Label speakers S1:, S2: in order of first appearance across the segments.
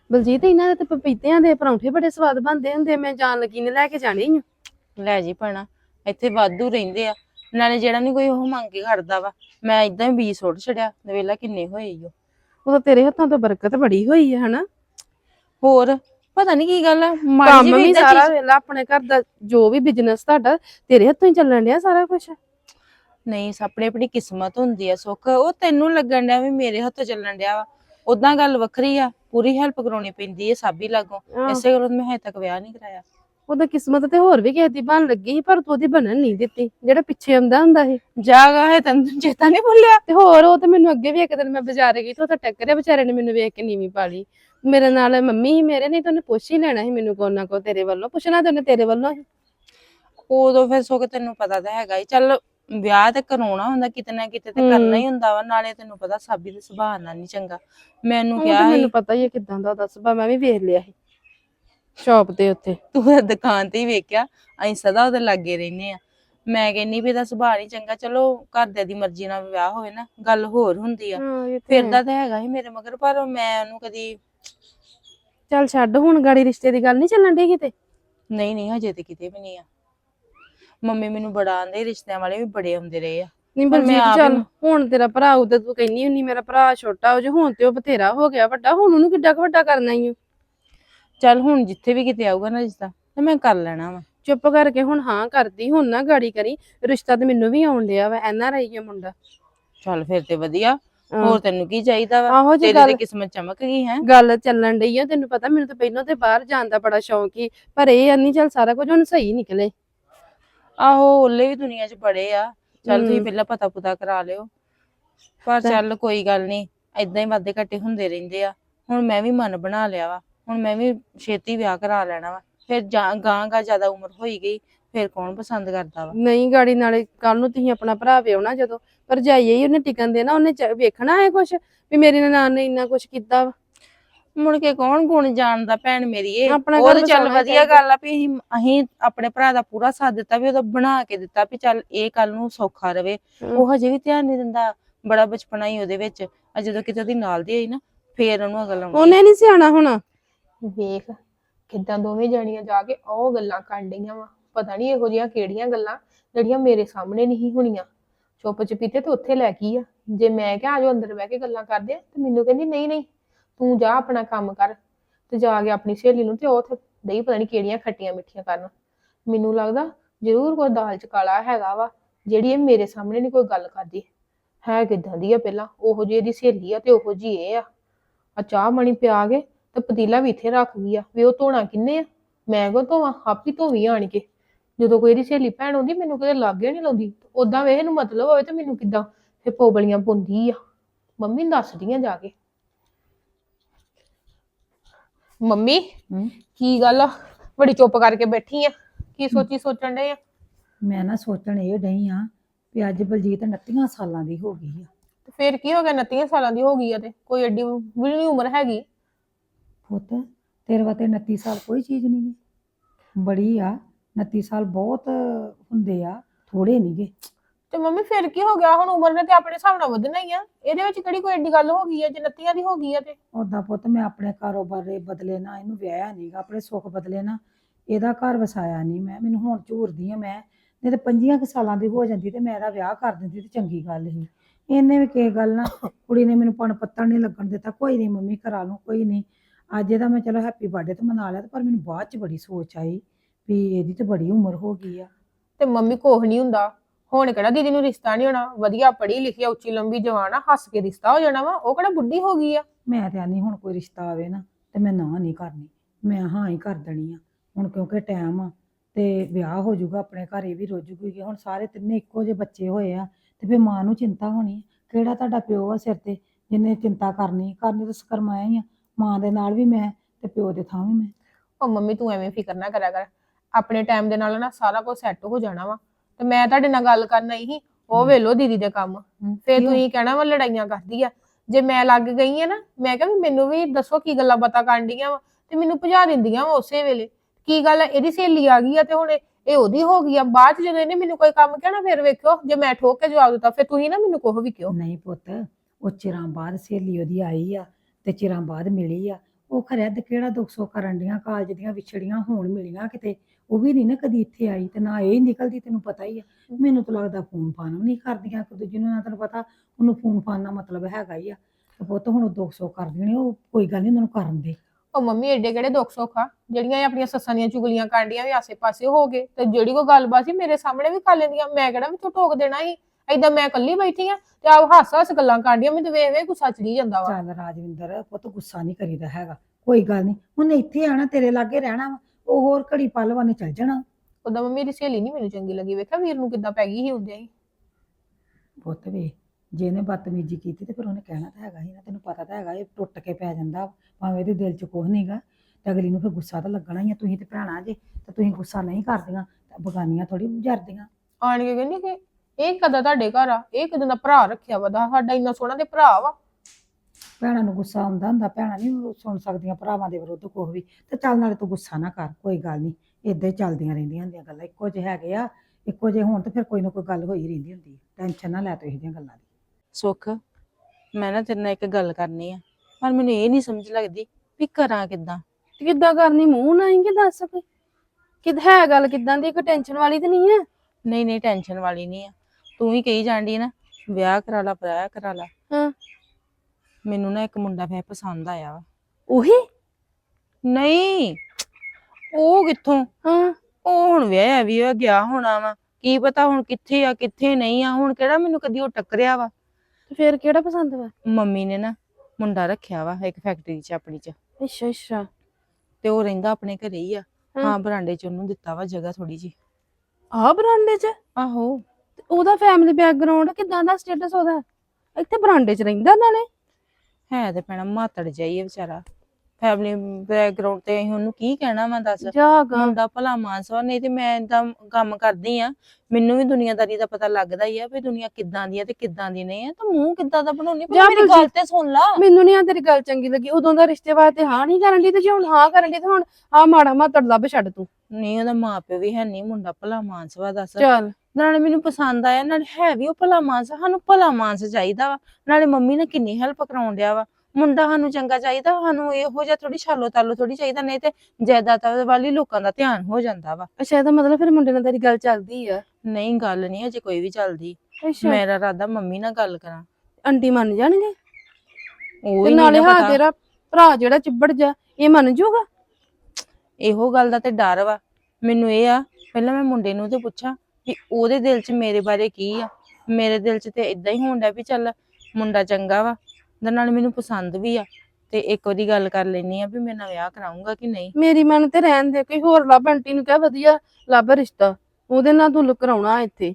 S1: ਬਲਜੀਤ ਇਹਨਾਂ ਦੇ ਤੇ ਪਪੀਤਿਆਂ ਦੇ ਪਰੌਂਠੇ ਬੜੇ ਸਵਾਦ ਬਣਦੇ ਹੁੰਦੇ, ਮੈਂ ਜਾਣ ਲੱਗੀ ਨੇ ਲੈ ਕੇ ਜਾਣੇ ਹੀ ਆ।
S2: ਲੈ ਜੀ ਭੈਣਾ, ਇੱਥੇ ਵਾਧੂ ਰਹਿੰਦੇ ਆ। ਨਾਲੇ ਜਿਹੜਾ ਨੀ ਕੋਈ ਉਹ ਮੰਗ ਕੇ ਖੜਦਾ ਵਾ, ਮੈਂ ਇਦਾਂ ਹੀ ਬੀਜ ਸੁੱਟ ਛੜਿਆ ਤੇ ਵੇਲਾ ਕਿੰਨੇ ਹੋਏ ਈ ਓ।
S1: ਉਹ ਤਾਂ ਤੇਰੇ ਹੱਥਾਂ ਤੋਂ ਬਰਕਤ ਬੜੀ ਹੋਈ ਹੈ ਹਨਾ।
S2: ਹੋਰ ਪਤਾ ਨੀ ਕੀ ਗੱਲ ਆ, ਮਾੜੀ
S1: ਕੰਮ
S2: ਜਿਹੀ
S1: ਵੀ
S2: ਵੀ ਏਦਾਂ
S1: ਸਾਰਾ
S2: ਚੀਜ਼।
S1: ਵੇਲਾ ਆਪਣੇ ਘਰ ਦਾ ਜੋ ਵੀ ਬਿਜ਼ਨਸ ਤੁਹਾਡਾ ਤੇਰੇ ਹੱਥੋਂ ਹੀ ਚੱਲਣ ਡਿਆ ਸਾਰਾ ਕੁਝ।
S2: ਨਹੀਂ, ਆਪਣੀ ਆਪਣੀ ਕਿਸਮਤ ਹੁੰਦੀ ਆ ਸੁੱਖ। ਉਹ ਤੈਨੂੰ ਲੱਗਣ ਡਿਆ ਵੀ ਮੇਰੇ ਹੱਥੋਂ ਚੱਲਣ ਡਿਆ ਵਾ, ਉਦਾਂ ਗੱਲ ਵੱਖਰੀ ਆ। ਪੂਰੀ ਹੈਲਪ ਕਰਾਉਣੀ ਪੈਂਦੀ ਹੈ ਸਾਬੀ ਲਾਗੋਂ। ਇਸੇ ਗੱਲੋਂ ਮੈਂ ਹਜੇ ਤੱਕ ਵਿਆਹ ਨਹੀਂ ਕਰਾਇਆ।
S1: ਉਹਦਾ ਕਿਸਮਤ ਤੇ ਹੋਰ ਵੀ ਕਿਸੇ ਦੀ ਬਣ ਲੱਗੀ ਸੀ, ਪਰ ਤੂੰ ਉਹਦੀ ਬਣਨ ਨਹੀਂ ਦਿੱਤੀ, ਜਿਹੜਾ ਪਿੱਛੇ ਆਉਂਦਾ ਹੁੰਦਾ ਸੀ।
S2: ਜਾਗਾ ਹੈ ਤੈਨੂੰ ਚੇਤਾ ਨਹੀਂ ਭੁੱਲਿਆ?
S1: ਤੇ ਹੋਰ ਉਹ ਤੇ ਮੈਨੂੰ ਅੱਗੇ ਵੀ ਇੱਕ ਦਿਨ ਮੈਂ ਬਾਜ਼ਾਰ ਗਈ ਤੇ ਉਹ ਤਾਂ ਟੱਕਰਿਆ, ਵਿਚਾਰੇ ਨੇ ਮੈਨੂੰ ਵੇਖ ਕੇ ਨੀਵੀਂ ਪਾ ਲਈ। ਮੇਰੇ ਨਾਲ ਮੰਮੀ ਹੀ ਮੇਰੇ, ਨਹੀਂ ਤਾਂ ਉਹਨੇ ਪੁੱਛ ਹੀ ਲੈਣਾ ਸੀ ਮੈਨੂੰ ਕੋ ਨਾ ਕੋ, ਤੇਰੇ ਵੱਲੋਂ ਪੁੱਛਣਾ ਤੇ ਉਹਨੇ ਤੇਰੇ ਵੱਲੋਂ ਹੀ।
S2: ਉਦੋਂ ਫਿਰ ਸੁੱਖ ਤੈਨੂੰ ਪਤਾ ਤਾਂ ਹੈਗਾ ਹੀ, ਚੱਲ ਵਿਆਹ ਤੇ ਕਰਾਉਣਾ ਹੁੰਦਾ, ਕਿਤੇ ਨਾ ਕਿਤੇ ਤੇ ਕਰਨਾ ਹੀ ਹੁੰਦਾ ਵਾ। ਨਾਲੇ ਤੈਨੂੰ ਪਤਾ ਸਾਬੀ ਦੇ ਸੁਭਾਅ ਨਾਲ ਨਹੀਂ ਚੰਗਾ। ਮੈਨੂੰ
S1: ਉਹ
S2: ਕਿਹਾ
S1: ਤੇ
S2: ਸੀ
S1: ਮੈਨੂੰ ਪਤਾ ਹੀ ਹੈ ਕਿਦਾਂ ਦਾ ਉਹਦਾ ਸੁਭਾਅ, ਮੈਂ ਵੀ ਵੇਖ ਲਿਆ ਸੀ ਸ਼ਾਪ ਤੇ ਉੱਥੇ।
S2: ਤੂੰ ਤਾਂ ਦੁਕਾਨ ਤੇ ਹੀ ਵੇਖਿਆ, ਅਸੀਂ ਸਦਾ ਉਹਦੇ ਲਾਗੇ ਰਹਿੰਦੇ ਆ। ਮੈਂ ਕਹਿੰਨੀ ਵੀ ਇਹਦਾ ਸੁਭਾਅ ਨਹੀਂ ਚੰਗਾ। ਚਲੋ ਘਰਦਿਆਂ ਦੀ ਮਰਜ਼ੀ ਨਾਲ ਵਿਆਹ ਹੋਵੇ ਨਾ, ਗੱਲ ਹੋਰ ਹੁੰਦੀ ਆ। ਫਿਰਦਾ ਤਾਂ ਹੈਗਾ ਸੀ ਮੇਰੇ ਮਗਰ, ਪਰ ਮੈਂ ਉਹਨੂੰ ਕਦੀ।
S1: ਚੱਲ ਛੱਡ ਹੁਣ, ਗਾੜੀ ਰਿਸ਼ਤੇ ਦੀ ਗੱਲ ਨਹੀਂ ਚੱਲਣ ਡਈ ਕਿਤੇ?
S2: ਨਹੀਂ ਨਹੀਂ, ਹਜੇ ਤੇ ਕਿਤੇ ਵੀ ਨਹੀਂ ਆ। ਮੰਮੀ ਮੈਨੂੰ ਬੜਾ ਆਂਦੇ, ਰਿਸ਼ਤਿਆਂ ਵਾਲੇ ਵੀ ਬੜੇ ਆਉਂਦੇ ਰਹੇ ਆ।
S1: ਨਹੀਂ
S2: ਪਰ ਮੈਂ
S1: ਬਲਜੀਤ,
S2: ਆਪ
S1: ਚੱਲ ਹੁਣ ਤੇਰਾ ਭਰਾ ਉਦੋਂ ਤੂੰ ਕਹਿੰਦੀ ਹੁੰਨੀ ਮੇਰਾ ਭਰਾ ਛੋਟਾ ਹੋ ਜਾ, ਹੁਣ ਤੇ ਉਹ ਬਥੇਰਾ ਹੋ ਗਿਆ ਵੱਡਾ, ਹੁਣ ਉਹਨੂੰ ਕਿੱਡਾ ਕੁ ਵੱਡਾ ਕਰਨਾ ਹੀ।
S2: ਚੱਲ ਹੁਣ ਜਿੱਥੇ ਵੀ ਕਿਤੇ ਆਊਗਾ ਨਾ ਰਿਸ਼ਤਾ ਤੇ ਮੈਂ ਕਰ ਲੈਣਾ ਵਾ।
S1: ਚੁੱਪ ਕਰਕੇ ਹੁਣ ਹਾਂ ਕਰਦੀ, ਹੁਣ ਨਾ ਗਾੜੀ ਕਰੀ। ਰਿਸ਼ਤਾ ਤੇ ਮੈਨੂੰ ਵੀ ਆਉਣ ਡਿਆ ਵਾ, NRI ਆ ਮੁੰਡਾ।
S2: ਚੱਲ ਫਿਰ ਤੇ ਵਧੀਆ, ਹੋਰ ਤੈਨੂੰ ਕੀ ਚਾਹੀਦਾ ਵਾ?
S1: ਆਹੋ ਜੀ,
S2: ਤੇਰੀ ਤੇ ਕਿਸਮਤ ਚਮਕ ਗਈ ਹੈ।
S1: ਗੱਲ ਚੱਲਣ ਡਈ ਆ। ਤੈਨੂੰ ਪਤਾ ਮੈਨੂੰ ਤਾਂ ਪਹਿਲਾਂ ਤੇ ਬਾਹਰ ਜਾਣ ਦਾ ਬੜਾ ਸ਼ੌਂਕ ਸੀ, ਪਰ ਇਹ ਨਹੀਂ ਚੱਲ ਸਾਰਾ ਕੁਝ ਹੁਣ ਸਹੀ ਨਿਕਲੇ।
S2: ਆਹੋ, ਉਹਲੇ ਵੀ ਦੁਨੀਆ 'ਚ ਬੜੇ ਆ। ਚੱਲ ਤੁਸੀਂ ਪਹਿਲਾਂ ਪਤਾ ਪੁਤਾ ਕਰਾ ਲਿਓ। ਪਰ ਚੱਲ ਕੋਈ ਗੱਲ ਨਹੀਂ, ਏਦਾਂ ਹੀ ਵਾਧੇ ਘਾਟੇ ਹੁੰਦੇ ਰਹਿੰਦੇ ਆ। ਹੁਣ ਮੈਂ ਵੀ ਮਨ ਬਣਾ ਲਿਆ ਵਾ, ਹੁਣ ਮੈਂ ਵੀ ਛੇਤੀ ਵਿਆਹ ਕਰਾ ਲੈਣਾ ਵਾ। ਫਿਰ ਗਾਂ ਗਾ ਜ਼ਿਆਦਾ ਉਮਰ ਹੋਈ ਗਈ, ਫਿਰ ਕੌਣ ਪਸੰਦ ਕਰਦਾ ਵਾ?
S1: ਨਹੀਂ ਗਾੜੀ, ਨਾਲੇ ਕੱਲ ਨੂੰ ਤੁਸੀਂ ਆਪਣਾ ਭਰਾ ਵਿਆਹੁਣਾ, ਜਦੋਂ ਭਰਜਾਈ ਹੀ ਉਹਨੇ ਟਿਕਣ ਦੇਣਾ, ਉਹਨੇ ਵੇਖਣਾ ਹੈ ਕੁਛ ਵੀ ਮੇਰੀ ਨਨਾਣ ਨੇ ਇੰਨਾ ਕੁਛ ਕੀਤਾ ਵਾ।
S2: ਮੁੜ ਕੇ ਕੌਣ ਗੁਣ ਜਾਣਦਾ ਭੈਣ ਮੇਰੀ ਇਹ।
S1: ਆਪਣਾ
S2: ਉਹ
S1: ਘਰ
S2: ਤੇ ਚੱਲ
S1: ਵਸਾਉਣਾ
S2: ਵਧੀਆ ਗੱਲ ਆ ਵੀ ਅਸੀਂ ਆਪਣੇ ਭਰਾ ਦਾ ਪੂਰਾ ਸਾਥ ਦਿੱਤਾ, ਵੀ ਉਹਦਾ ਬਣਾ ਕੇ ਦਿੱਤਾ ਵੀ ਚੱਲ ਇਹ ਕੱਲ ਨੂੰ ਸੌਖਾ ਰਵੇ। ਉਹ ਹਜੇ ਵੀ ਧਿਆਨ ਨਹੀਂ ਦਿੰਦਾ, ਬੜਾ ਬਚਪਨਾ ਹੀ ਉਹਦੇ ਵਿੱਚ। ਆ ਜਦੋਂ ਕਿਤੇ ਉਹਦੀ ਨਾਲ ਦੀ ਆਈ ਨਾ, ਫੇਰ ਉਹਨੂੰ ਅਗਲ ਆਉਂਦੀ।
S1: ਉਹਨੇ ਨਹੀਂ ਸਿਆਣਾ ਹੋਣਾ।
S3: ਵੇਖ ਕਿੱਦਾਂ ਦੋਵੇਂ ਜਣੀਆਂ ਜਾ ਕੇ ਉਹ ਗੱਲਾਂ ਕਰਨ ਡਈਆਂ ਵਾ। ਪਤਾ ਨਹੀਂ ਇਹੋ ਜਿਹੀਆਂ ਕਿਹੜੀਆਂ ਗੱਲਾਂ ਜਿਹੜੀਆਂ ਮੇਰੇ ਸਾਹਮਣੇ ਨਹੀਂ ਹੋਣੀਆਂ। ਚੁੱਪ ਚਪੀਤੇ ਤੇ ਉੱਥੇ ਲੈ ਗਈ ਆ। ਜੇ ਮੈਂ ਕਿਹਾ ਆਜੋ ਅੰਦਰ ਬਹਿ ਕੇ ਗੱਲਾਂ ਕਰਦੇ ਆ, ਤੇ ਮੈਨੂੰ ਕਹਿੰਦੀ ਨਹੀਂ ਨਹੀਂ, ਤੂੰ ਜਾ ਆਪਣਾ ਕੰਮ ਕਰ। ਤੇ ਜਾ ਕੇ ਆਪਣੀ ਸਹੇਲੀ ਨੂੰ ਤੇ ਉੱਥੇ ਦਹੀਂ ਪਤਾ ਨਹੀਂ ਕਿਹੜੀਆਂ ਖੱਟੀਆਂ ਮਿੱਠੀਆਂ ਕਰਨ। ਮੈਨੂੰ ਲੱਗਦਾ ਜ਼ਰੂਰ ਕੋਈ ਦਾਲ ਚ ਕਾਲਾ ਹੈਗਾ ਵਾ, ਜਿਹੜੀ ਇਹ ਮੇਰੇ ਸਾਹਮਣੇ ਨਹੀਂ ਕੋਈ ਗੱਲ ਕਰਦੀ। ਹੈ ਕਿੱਦਾਂ ਦੀ ਆ, ਪਹਿਲਾਂ ਉਹੋ ਜਿਹੀ ਇਹਦੀ ਸਹੇਲੀ ਆ ਤੇ ਉਹੋ ਜਿਹੀ ਇਹ ਆ ਚਾਹ ਪਾਣੀ ਪਿਆ ਕੇ ਤੇ ਪਤੀਲਾ ਵੀ ਇੱਥੇ ਰੱਖ ਗਈ ਆ ਵੀ ਉਹ ਧੋਣਾ ਕਿੰਨੇ ਆ? ਮੈਂ ਕਿਉਂ ਧੋਵਾਂ, ਆਪੀ ਧੋਵੀ ਆਣ ਕੇ। ਜਦੋਂ ਕੋਈ ਇਹਦੀ ਸਹੇਲੀ ਭੈਣ ਆਉਂਦੀ, ਮੈਨੂੰ ਕਦੇ ਲਾਗੇ ਨਹੀਂ ਲਾਉਂਦੀ। ਉਦਾਂ ਵੇਖ ਇਹਨੂੰ ਮਤਲਬ ਹੋਵੇ ਤੇ ਮੈਨੂੰ ਕਿੱਦਾਂ ਫੇ ਪੋਬਲੀਆਂ ਪੁੰਦੀ ਆ। ਮੰਮੀ ਨੂੰ ਦੱਸਦੀ ਆ ਜਾ ਕੇ। ਮੰਮੀ ਕੀ ਗੱਲ ਆ, ਬੜੀ ਚੁੱਪ ਕਰਕੇ ਬੈਠੀ ਆ? ਕੀ ਸੋਚਣ ਡਏ ਆ?
S4: ਮੈਂ ਨਾ ਸੋਚਣ ਇਹ ਡਈ ਆ ਵੀ ਅੱਜ ਬਲਜੀਤ 29 ਸਾਲਾਂ ਦੀ ਹੋ ਗਈ ਆ।
S3: ਤੇ ਫੇਰ ਕੀ ਹੋ ਗਿਆ, 29 ਸਾਲਾਂ ਦੀ ਹੋ ਗਈ ਆ ਤੇ ਕੋਈ ਐਡੀ ਵੀ ਨੀ ਉਮਰ ਹੈਗੀ।
S4: ਪੁੱਤ ਤੇਰੇ ਵਾਸਤੇ 29 ਸਾਲ ਕੋਈ ਚੀਜ਼ ਨਹੀਂ ਗੀ, ਬੜੀ ਆ। 29 ਸਾਲ ਬਹੁਤ ਹੁੰਦੇ ਆ, ਥੋੜੇ ਨਹੀਂਗੇ।
S3: ਤੇ ਮੰਮੀ ਫੇਰ ਕੀ ਹੋ ਗਿਆ, ਹੁਣ ਉਮਰ ਨੇ ਤੇ ਆਪਣੇ ਹਿਸਾਬ ਨਾਲ ਵਧਣਾ ਹੀ ਆ। ਇਹਦੇ ਵਿੱਚ ਕਿਹੜੀ ਕੋਈ ਐਡੀ ਗੱਲ ਹੋ ਗਈ ਆ ਜੇ 29 ਦੀ ਹੋ ਗਈ ਆ ਤੇ?
S4: ਉਦਾਂ ਪੁੱਤ ਮੈਂ ਆਪਣੇ ਕਾਰੋਬਾਰ ਦੇ ਬਦਲੇ ਨਾ ਇਹਨੂੰ ਵਿਆਹਿਆ ਨਹੀਂਗਾ, ਆਪਣੇ ਸੁੱਖ ਬਦਲੇ ਨਾ ਇਹਦਾ ਘਰ ਵਸਾਇਆ ਨਹੀਂ ਮੈਂ। ਮੈਨੂੰ ਹੁਣ ਝੂਰਦੀ ਆ ਮੈਂ, ਨਹੀਂ ਤੇ 25 ਕੁ ਸਾਲਾਂ ਦੀ ਹੋ ਜਾਂਦੀ ਤੇ ਮੈਂ ਇਹਦਾ ਵਿਆਹ ਕਰ ਦਿੰਦੀ ਤੇ ਚੰਗੀ ਗੱਲ ਸੀ। ਇਹਨੇ ਵੀ ਕਿਸੇ ਗੱਲ ਨਾ, ਕੁੜੀ ਨੇ ਮੈਨੂੰ ਪਣ ਪੱਤਣ ਨਹੀਂ ਲੱਗਣ ਦਿੱਤਾ। ਕੋਈ ਨਹੀਂ ਮੰਮੀ ਕਰਾ ਲੂੰ, ਕੋਈ ਨਹੀਂ। ਅੱਜ ਇਹਦਾ ਮੈਂ ਚਲੋ ਹੈਪੀ ਬਰਥਡੇ ਤੇ ਮਨਾ ਲਿਆ, ਪਰ ਮੈਨੂੰ ਬਾਅਦ ਚ ਬੜੀ ਸੋਚ ਆਈ ਵੀ ਇਹਦੀ ਤੇ ਬੜੀ ਉਮਰ ਹੋ ਗਈ ਆ।
S3: ਤੇ ਮੰਮੀ ਕੁਛ ਨਹੀਂ ਹੁੰਦਾ, ਹੁਣ ਕਿਹੜਾ ਦੀਦੀ ਨੂੰ ਰਿਸ਼ਤਾ ਨਹੀਂ ਹੋਣਾ? ਵਧੀਆ ਪੜ੍ਹੀ ਲਿਖੀ ਆ, ਉੱਚੀ ਲੰਬੀ ਜਵਾਨ ਆ, ਹੱਸ ਕੇ ਰਿਸ਼ਤਾ ਹੋ ਜਾਣਾ ਵਾ। ਉਹ ਕਿਹੜਾ ਬੁੱਢੀ ਹੋ ਗਈ ਆ?
S4: ਮੈਂ ਤੇ ਆਨੀ ਹੁਣ ਕੋਈ ਰਿਸ਼ਤਾ ਆਵੇ ਨਾ ਤੇ ਮੈਂ ਨਾ ਨਹੀਂ ਕਰਨੀ, ਮੈਂ ਹਾਂ ਹੀ ਕਰ ਦੇਣੀ ਆ ਹੁਣ, ਕਿਉਂਕਿ ਟਾਈਮ ਆ ਤੇ ਵਿਆਹ ਹੋ ਜਾਊਗਾ ਆਪਣੇ ਘਰ, ਇਹ ਵੀ ਰੁੱਝ ਜੂਗੀ। ਹੁਣ ਸਾਰੇ ਤਿੰਨੇ ਇੱਕੋ ਜਿਹੇ ਬੱਚੇ ਹੋਏ ਆ ਤੇ ਫਿਰ ਮਾਂ ਨੂੰ ਚਿੰਤਾ ਹੋਣੀ। ਕਿਹੜਾ ਤੁਹਾਡਾ ਪਿਓ ਆ ਸਿਰ ਤੇ ਜਿਹਨੇ ਚਿੰਤਾ ਕਰਨੀ ਤਾਂ ਸਕਰਮਾਇਆ ਹੀ ਆ। ਮਾਂ ਦੇ ਨਾਲ ਵੀ ਮੈਂ ਤੇ ਪਿਓ ਦੇ ਥਾਂ ਵੀ ਮੈਂ।
S3: ਉਹ ਮੰਮੀ ਤੂੰ ਐਵੇਂ ਫਿਕਰ ਨਾ ਕਰਿਆ ਕਰ, ਆਪਣੇ ਟਾਈਮ ਦੇ ਨਾਲ ਨਾ ਸਾਰਾ ਕੁਝ ਸੈੱਟ ਹੋ ਜਾਣਾ ਵਾ। ਤੇ ਮੈਂ ਤੁਹਾਡੇ ਨਾਲ ਗੱਲ ਕਰਨ ਆਈ ਸੀ, ਉਹ ਵੇਲੋ ਦੀਦੀ ਦੇ ਕੰਮ। ਫੇਰ ਤੁਸੀਂ ਕਹਿਣਾ ਵਾ ਲੜਾਈਆਂ ਕਰਦੀ ਆ। ਜੇ ਮੈਂ ਲੱਗ ਗਈ ਆ ਨਾ, ਮੈਂ ਕਿਹਾ ਵੀ ਮੈਨੂੰ ਵੀ ਦੱਸੋ ਕੀ ਗੱਲਾਂ ਬਾਤਾਂ ਕਰਨ ਡੀਆਂ ਵਾ, ਤੇ ਮੈਨੂੰ ਭਜਾ ਦਿੰਦੀਆਂ ਵਾ ਉਸੇ ਵੇਲੇ। ਕੀ ਗੱਲ ਇਹਦੀ ਸਹੇਲੀ ਆ ਗਈ ਆ ਤੇ ਹੁਣ ਇਹ ਉਹਦੀ ਹੋ ਗਈ ਆ। ਬਾਅਦ ਚ ਜਦੋਂ ਇਹਨੇ ਮੈਨੂੰ ਕੋਈ ਕੰਮ ਕਹਿਣਾ, ਫਿਰ ਵੇਖਿਓ ਜੇ ਮੈਂ ਠੋਕ ਕੇ ਜਵਾਬ ਦਿੱਤਾ, ਫਿਰ ਤੁਸੀਂ ਨਾ ਮੈਨੂੰ ਕੁਛ ਵੀ ਕਿਹੋ।
S4: ਨਹੀਂ ਪੁੱਤ, ਉਹ ਚਿਰਾਂ ਬਾਅਦ ਸਹੇਲੀ ਉਹਦੀ ਆਈ ਆ ਤੇ ਚਿਰਾਂ ਬਾਅਦ ਮਿਲੀ ਆ। ਉਹ ਖਰਿਆ ਤੇ ਕਿਹੜਾ ਦੁੱਖ ਸੁੱਖ ਕਰਨ ਡੀਆਂ, ਕਾਲਜ ਦੀਆਂ ਵਿਛੜੀਆਂ ਹੋਣ ਮਿਲੀਆਂ ਕਿਤੇ। ਉਹ ਵੀ ਨਹੀਂ ਨਾ ਕਦੀ ਇੱਥੇ ਆਈ ਤੇ ਨਾ ਇਹ ਨਿਕਲਦੀ, ਤੈਨੂੰ ਪਤਾ ਹੀ ਆ। ਮੈਨੂੰ ਤਾਂ ਲੱਗਦਾ ਫੋਨ ਫਾਨ ਵੀ ਨਹੀਂ ਕਰਦੀਆਂ ਇੱਕ ਦੂਜੇ ਨੂੰ, ਨਾ ਤੈਨੂੰ ਪਤਾ ਉਹਨੂੰ ਫੋਨ ਫਾਨ ਦਾ ਮਤਲਬ ਹੈਗਾ ਹੀ ਆ। ਤੇ ਪੁੱਤ ਹੁਣ ਉਹ ਦੁੱਖ ਸੁੱਖ ਕਰਦੀਆਂ ਨੇ, ਉਹ ਕੋਈ ਗੱਲ ਨਹੀਂ ਉਹਨਾਂ ਨੂੰ ਕਰਨ ਦੇ।
S3: ਉਹ ਮੰਮੀ ਏਡੇ ਕਿਹੜੇ ਦੁੱਖ ਸੁੱਖ ਆ, ਜਿਹੜੀਆਂ ਇਹ ਆਪਣੀਆਂ ਸੱਸਾਂ ਦੀਆਂ ਚੁਗਲੀਆਂ ਕਾਂਡੀਆਂ ਵੀ ਆਸੇ ਪਾਸੇ ਹੋ ਗਏ, ਤੇ ਜਿਹੜੀ ਕੋਈ ਗੱਲਬਾਤ ਸੀ ਮੇਰੇ ਸਾਹਮਣੇ ਵੀ ਕਰ ਲੈਂਦੀਆਂ। ਮੈਂ ਕਿਹੜਾ ਵਿੱਚੋਂ ਟੋਕ ਦੇਣਾ ਸੀ, ਏਦਾਂ ਮੈਂ ਇਕੱਲੀ ਬੈਠੀ ਆ ਤੇ ਆਪ ਹੱਸ ਗੱਲਾਂ ਕਾਂਡੀਆਂ, ਮੈਨੂੰ ਵੇਖ ਵੇਖ ਗੁੱਸਾ ਚੜੀ ਜਾਂਦਾ ਵਾ।
S4: ਚੱਲ ਰਾਜਵਿੰਦਰ ਪੁੱਤ ਗੁੱਸਾ ਨਹੀਂ ਕਰੀਦਾ ਹੈਗਾ, ਕੋਈ ਗੱਲ ਨਹੀਂ। ਉਹਨੇ ਇੱਥੇ ਆਣਾ, ਤੇਰੇ ਲਾਗੇ ਰਹਿਣਾ ਵਾ, ਉਹ ਹੋਰ ਘੜੀ ਪਲ ਵਾਨੇ ਚੱਲ ਜਾਣਾ।
S3: ਉਦਾਂ ਮੰਮੀ ਦੀ ਸਹੇਲੀ ਨਹੀਂ ਮੈਨੂੰ ਚੰਗੀ ਲੱਗੀ, ਵੇਖਿਆ ਵੀਰ ਨੂੰ ਕਿੱਦਾਂ ਪੈ ਗਈ ਸੀ ਹੁੰਦਿਆਂ ਹੀ।
S4: ਪੁੱਤ ਵੇ, ਜੇ ਇਹਨੇ ਬਦਤਮੀਜ਼ੀ ਕੀਤੀ ਤੇ ਫਿਰ ਉਹਨੇ ਕਹਿਣਾ ਤਾਂ ਹੈਗਾ ਹੀ ਨਾ, ਤੈਨੂੰ ਪਤਾ ਤਾਂ ਹੈਗਾ ਇਹ ਟੁੱਟ ਕੇ ਪੈ ਜਾਂਦਾ, ਭਾਵੇਂ ਇਹਦੇ ਦਿਲ 'ਚ ਕੁਛ ਨਹੀਂਗਾ ਤੇ ਅਗਲੀ ਨੂੰ ਫਿਰ ਗੁੱਸਾ ਤਾਂ ਲੱਗਣਾ ਹੀ ਆ। ਤੁਸੀਂ ਤੇ ਭੈਣਾਂ ਜੇ, ਤੇ ਤੁਸੀਂ ਗੁੱਸਾ ਨਹੀਂ ਕਰਦੀਆਂ ਤਾਂ ਬਗਾਨੀਆਂ ਥੋੜੀ ਜਰਦੀਆਂ।
S3: ਆਣ ਕੇ ਕਹਿੰਦੀ ਕਿ ਇਹ ਕਦਾ ਤੁਹਾਡੇ ਘਰ ਆ, ਇਹ ਕਿਦਾਂ ਦਾ ਭਰਾ ਰੱਖਿਆ ਵਾ, ਸਾਡਾ ਇੰਨਾ ਸੋਹਣਾ ਤੇ ਭਰਾ ਵਾ।
S4: ਭੈਣਾਂ ਨੂੰ ਗੁੱਸਾ ਆਉਂਦਾ ਹੁੰਦਾ, ਭੈਣਾਂ ਨਹੀਂ ਸੁਣ ਸਕਦੀਆਂ ਭਰਾਵਾਂ ਦੇ ਵਿਰੁੱਧ ਕੁਛ ਵੀ। ਤੇ ਚੱਲ ਨਾਲੇ ਤੂੰ ਗੁੱਸਾ ਨਾ ਕਰ, ਕੋਈ ਗੱਲ ਨਹੀਂ, ਏਦਾਂ ਹੀ ਚੱਲਦੀਆਂ ਰਹਿੰਦੀਆਂ ਹੁੰਦੀਆਂ ਗੱਲਾਂ। ਇੱਕੋ ਜਿਹੇ ਹੈਗੇ ਆ, ਇੱਕੋ ਜਿਹੇ ਹੋਣ ਤੇ ਫਿਰ ਕੋਈ ਨਾ ਕੋਈ ਗੱਲ ਹੋਈ ਰਹਿੰਦੀ ਹੁੰਦੀ ਹੈ। ਟੈਨਸ਼ਨ ਨਾ ਲੈ ਤੂੰ ਇਹੋ ਜਿਹੀਆਂ ਗੱਲਾਂ ਦੀ।
S2: ਸੁੱਖ, ਮੈਂ ਨਾ ਤੇਰੇ ਨਾਲ ਇੱਕ ਗੱਲ ਕਰਨੀ ਆ, ਪਰ ਮੈਨੂੰ ਇਹ ਨਹੀਂ ਸਮਝ ਲੱਗਦੀ ਵੀ ਕਰਾਂ ਕਿੱਦਾਂ।
S1: ਕਿੱਦਾਂ ਕਰਨੀ, ਮੂੰਹ ਨਾ ਹੀ ਕਿ ਦੱਸ ਕੋਈ ਕਿਦ ਹੈ ਗੱਲ ਕਿੱਦਾਂ ਦੀ, ਕੋਈ ਟੈਨਸ਼ਨ ਵਾਲੀ ਤੇ ਨਹੀਂ ਹੈ।
S2: ਨਹੀਂ ਨਹੀਂ, ਟੈਨਸ਼ਨ ਵਾਲੀ ਨਹੀਂ ਆ। ਤੂੰ ਹੀ ਕਹੀ ਜਾਂਦੀ ਨਾ ਵਿਆਹ ਕਰਾ ਲਾ, ਵਿਆਹ ਕਰਾ ਲਾ।
S1: ਹਾਂ,
S2: ਮੈਨੂੰ ਨਾ ਇੱਕ ਮੁੰਡਾ ਫੇਰ ਪਸੰਦ ਆਇਆ ਵਾ।
S1: ਉਹੀ?
S2: ਨਹੀਂ, ਉਹ ਕਿੱਥੋਂ,
S1: ਹਾਂ,
S2: ਉਹ ਹੁਣ ਵਿਆਹਿਆ ਵੀ ਆ, ਗਿਆ ਹੋਣਾ ਵਾ, ਕੀ ਪਤਾ ਹੁਣ ਕਿੱਥੇ ਆ ਕਿੱਥੇ ਨਹੀਂ ਆ। ਹੁਣ ਕਿਹੜਾ ਮੈਨੂੰ ਕਦੀ ਉਹ ਟੱਕਰਿਆ ਵਾ।
S1: ਤੇ ਫਿਰ ਕਿਹੜਾ ਪਸੰਦ ਵਾ?
S2: ਮੰਮੀ ਨੇ ਨਾ ਮੁੰਡਾ ਰੱਖਿਆ ਵਾ ਇੱਕ ਫੈਕਟਰੀ 'ਚ ਆਪਣੀ 'ਚ,
S1: ਅੱਛਾ ਅੱਛਾ।
S2: ਤੇ ਉਹ ਰਹਿੰਦਾ ਆਪਣੇ ਘਰੇ ਹੀ ਆ।
S1: ਹਾਂ।
S2: ਹਾਂ, ਬਰਾਂਡੇ 'ਚ ਉਹਨੂੰ ਦਿੱਤਾ ਵਾ ਜਗ੍ਹਾ ਥੋੜੀ ਜੀ।
S1: ਆਹ ਬਰਾਂਡੇ 'ਚ?
S2: ਆਹੋ।
S1: ਤੇ ਉਹਦਾ ਫੈਮਿਲੀ ਬੈਕਗ੍ਰਾਉਂਡ ਕਿੱਦਾਂ ਦਾ, ਸਟੇਟਸ ਉਹਦਾ? ਇੱਥੇ ਬਰਾਂਡੇ 'ਚ ਰਹਿੰਦਾ ਨਾਲੇ?
S2: ਹੈ ਤੇ ਭੈਣਾ ਮਾਤੜ ਜਾਈਏ ਵਿਚਾਰਾ। ਫੈਮਿਲੀ ਬੈਕਗ੍ਰਾਉਂਡ ਤੇ ਅਸੀਂ ਉਹਨੂੰ ਕੀ ਕਹਿਣਾ ਵਾ ਦੱਸ।
S1: ਜਾਗਾ
S2: ਮੁੰਡਾ ਭਲਾ ਮਾਨਸ ਵਾ, ਨਹੀਂ ਤੇ ਮੈਂ ਏਦਾਂ ਕੰਮ ਕਰਦੀ ਆ, ਮੈਨੂੰ ਵੀ ਦੁਨੀਆਦਾਰੀ ਦਾ ਪਤਾ ਲੱਗਦਾ ਹੀ ਆ ਵੀ ਦੁਨੀਆ ਕਿੱਦਾਂ ਦੀ ਆ ਤੇ ਕਿੱਦਾਂ ਦੀ ਨਹੀਂ ਆ। ਤਾਂ ਮੂੰਹ ਕਿੱਦਾਂ ਦਾ ਬਣਾਉਣੀ,
S1: ਜਾ
S2: ਮੇਰੀ ਗੱਲ ਤੇ ਸੁਣ ਲਾ।
S1: ਮੈਨੂੰ ਨਹੀਂ ਆ ਤੇਰੀ ਗੱਲ ਚੰਗੀ ਲੱਗੀ। ਉਦੋਂ ਦਾ ਰਿਸ਼ਤੇ ਵਾਸਤੇ ਹਾਂ ਨਹੀਂ ਕਰਨ ਦੀ, ਤੇ ਜੇ ਹੁਣ ਹਾਂ ਕਰਨ ਦੀ ਤੇ ਹੁਣ ਆ ਮਾੜਾ ਮਾਤੜ ਲੱਭ ਛੱਡ ਤੂੰ।
S2: ਨਹੀਂ, ਉਹਦਾ ਮਾਂ ਪਿਓ ਵੀ ਹੈ ਨਹੀਂ, ਮੁੰਡਾ ਭਲਾ ਮਾਨਸ ਵਾ ਦੱਸ।
S1: ਚੱਲ
S2: ਨਾਲੇ ਮੈਨੂੰ ਪਸੰਦ ਆਇਆ, ਨਾਲੇ ਹੈ ਵੀ ਉਹ ਭਲਾ ਮਾਨਸ। ਸਾਨੂੰ ਭਲਾ ਮਾਨਸ ਚਾਹੀਦਾ ਵਾ, ਨਾਲੇ ਮੰਮੀ ਨੇ ਕਿੰਨੀ ਹੈਲਪ ਕਰਾਉਣ ਡਿਆ ਵਾ। ਮੁੰਡਾ ਸਾਨੂੰ ਚੰਗਾ ਚਾਹੀਦਾ, ਸਾਨੂੰ ਇਹੋ ਜਿਹਾ ਥੋੜੀ ਛਾਲੋ ਤਾਲੋ ਥੋੜੀ ਚਾਹੀਦਾ, ਨਹੀਂ ਤੇ ਜਾਇਦਾਦ ਵਾਲੀ ਲੋਕਾਂ ਦਾ ਧਿਆਨ ਹੋ ਜਾਂਦਾ ਵਾ।
S1: ਅੱਛਾ, ਇਹਦਾ ਮਤਲਬ ਫਿਰ ਮੁੰਡੇ ਨਾਲ ਤੇਰੀ ਗੱਲ ਚੱਲਦੀ ਆ?
S2: ਨਹੀਂ, ਗੱਲ ਨਹੀਂ ਅਜੇ ਕੋਈ ਵੀ ਚੱਲਦੀ।
S1: ਅੱਛਾ,
S2: ਮੇਰਾ ਇਰਾਦਾ ਮੰਮੀ ਨਾਲ ਗੱਲ ਕਰਾਂ।
S1: ਆਂਟੀ ਮੰਨ ਜਾਣਗੇ?
S2: ਉਹ
S1: ਤੇ
S2: ਹੀ
S1: ਨਾਲੇ
S2: ਨਹੀਂ
S1: ਹਾਂ
S2: ਪਤਾ।
S1: ਤੇਰਾ ਭਰਾ ਜਿਹੜਾ ਚਿੱਬੜ ਜਾ, ਇਹ ਮੰਨ ਜਾਊਗਾ?
S2: ਇਹੋ ਗੱਲ ਦਾ ਤੇ ਡਰ ਵਾ ਮੈਨੂੰ। ਇਹ ਆ ਪਹਿਲਾਂ ਮੈਂ ਮੁੰਡੇ ਨੂੰ ਤੇ ਪੁੱਛਾਂ ਵੀ ਉਹਦੇ ਦਿਲ 'ਚ ਮੇਰੇ ਬਾਰੇ ਕੀ ਆ। ਮੇਰੇ ਦਿਲ 'ਚ ਤੇ ਇਦਾਂ ਹੀ ਹੋਣ ਡਿਆ ਵੀ ਚੱਲ ਮੁੰਡਾ ਚੰਗਾ ਵਾ, ਤੇ ਨਾਲ ਮੈਨੂੰ ਪਸੰਦ ਵੀ ਆ, ਤੇ ਇੱਕ ਵਾਰੀ ਗੱਲ ਕਰ ਲੈਣੀ ਆ ਵੀ ਮੇਰੇ ਨਾਲ ਵਿਆਹ ਕਰਾਉਂਗਾ ਕਿ ਨਹੀਂ।
S1: ਮੇਰੀ ਮਨ ਤੇ ਰਹਿਣ ਦੇ, ਕੋਈ ਹੋਰ ਲੱਭ। ਆਂਟੀ ਨੂੰ ਕਹਿ ਵਧੀਆ ਲੱਭ ਰਿਸ਼ਤਾ, ਉਹਦੇ ਨਾਲ ਤੂੰ ਕਰਾਉਣਾ ਇੱਥੇ।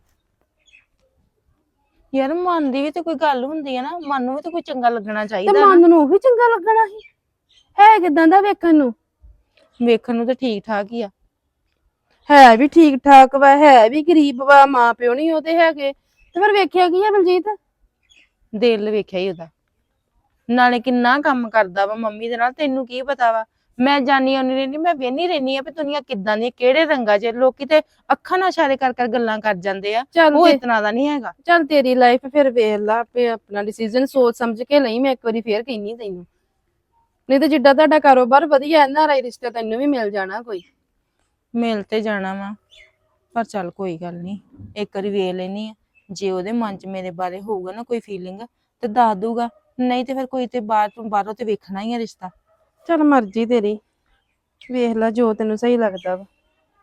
S2: ਯਾਰ ਮਨ ਦੀ ਵੀ ਤੇ ਕੋਈ ਗੱਲ ਹੁੰਦੀ ਆ ਨਾ, ਮਨ ਨੂੰ ਵੀ ਤੇ ਕੋਈ ਚੰਗਾ ਲੱਗਣਾ
S1: ਤੇ
S2: ਚਾਹੀਦਾ ਨਾ।
S1: ਮਨ ਨੂੰ ਉਹੀ ਚੰਗਾ ਲੱਗਣਾ ਸੀ। ਹੈ ਕਿਦਾਂ ਦਾ ਵੇਖਣ ਨੂੰ?
S2: ਵੇਖਣ ਨੂੰ ਤੇ ਠੀਕ ਠਾਕ ਹੀ ਆ।
S1: ਹੈ ਵੀ ਠੀਕ ਠਾਕ ਵਾ, ਹੈ ਵੀ ਗਰੀਬ ਵਾ, ਮਾਂ ਪਿਓ ਨਹੀਂ ਉਹਦੇ ਹੈਗੇ, ਤੇ ਫਿਰ ਵੇਖਿਆ ਕੀ ਹੈ ਬਲਜੀਤ?
S2: ਦਿਲ ਵੇਖਿਆ ਹੀ ਉਹਦਾ, ਨਾਲੇ ਕਿੰਨਾ ਕੰਮ ਕਰਦਾ ਵਾ ਮੰਮੀ ਦੇ ਨਾਲ, ਤੈਨੂੰ ਕੀ ਪਤਾ ਵਾ। ਮੈਂ ਜਾਣੀ ਆਉਣੀ ਰਹਿੰਦੀ, ਮੈਂ ਵੇਹਨੀ ਰਹਿੰਦੀ ਆ ਵੀ ਦੁਨੀਆ ਕਿੱਦਾਂ ਦੀ, ਕਿਹੜੇ ਰੰਗਾਂ 'ਚ। ਲੋਕੀ ਤੇ ਅੱਖਾਂ ਨਾਲ ਇਸ਼ਾਰੇ ਕਰ ਕਰ ਗੱਲਾਂ ਕਰ ਜਾਂਦੇ ਆ,
S1: ਚੱਲ
S2: ਉਹ
S1: ਤੇ
S2: ਇਤਨਾ ਦਾ ਨਹੀਂ ਹੈਗਾ।
S1: ਚੱਲ ਤੇਰੀ ਲਾਈਫ, ਫਿਰ ਵੇਖ ਲਾ ਆਪੇ ਆਪਣਾ ਡਿਸੀਜਨ ਸੋਚ ਸਮਝ ਕੇ ਲਈ। ਮੈਂ ਇੱਕ ਵਾਰੀ ਫੇਰ ਕਹਿੰਨੀ ਤੈਨੂੰ, ਨਹੀਂ ਤੇ ਜਿੱਦਾਂ ਤੁਹਾਡਾ ਕਾਰੋਬਾਰ ਵਧੀਆ, NRI ਰਿਸ਼ਤਾ ਤੈਨੂੰ ਵੀ ਮਿਲ ਜਾਣਾ ਕੋਈ।
S2: ਮਿਲ ਤੇ ਜਾਣਾ ਵਾ, ਪਰ ਚੱਲ ਕੋਈ ਗੱਲ ਨਹੀਂ, ਇੱਕ ਵਾਰੀ ਵੇਖ ਲੈਣੀ ਆ। ਜੇ ਉਹਦੇ ਮਨ 'ਚ ਮੇਰੇ ਬਾਰੇ ਹੋਊਗਾ ਨਾ ਕੋਈ ਫੀਲਿੰਗ ਤੇ ਦੱਸ ਦੂਗਾ, ਨਹੀਂ ਤੇ ਫਿਰ ਕੋਈ ਤੇ ਬਾਹਰੋਂ ਤੇ ਵੇਖਣਾ ਹੀ ਆ ਰਿਸ਼ਤਾ।
S1: ਚੱਲ ਮਰਜ਼ੀ ਤੇਰੀ, ਵੇਖ ਲੈ ਜੋ ਤੈਨੂੰ ਸਹੀ ਲੱਗਦਾ ਵਾ।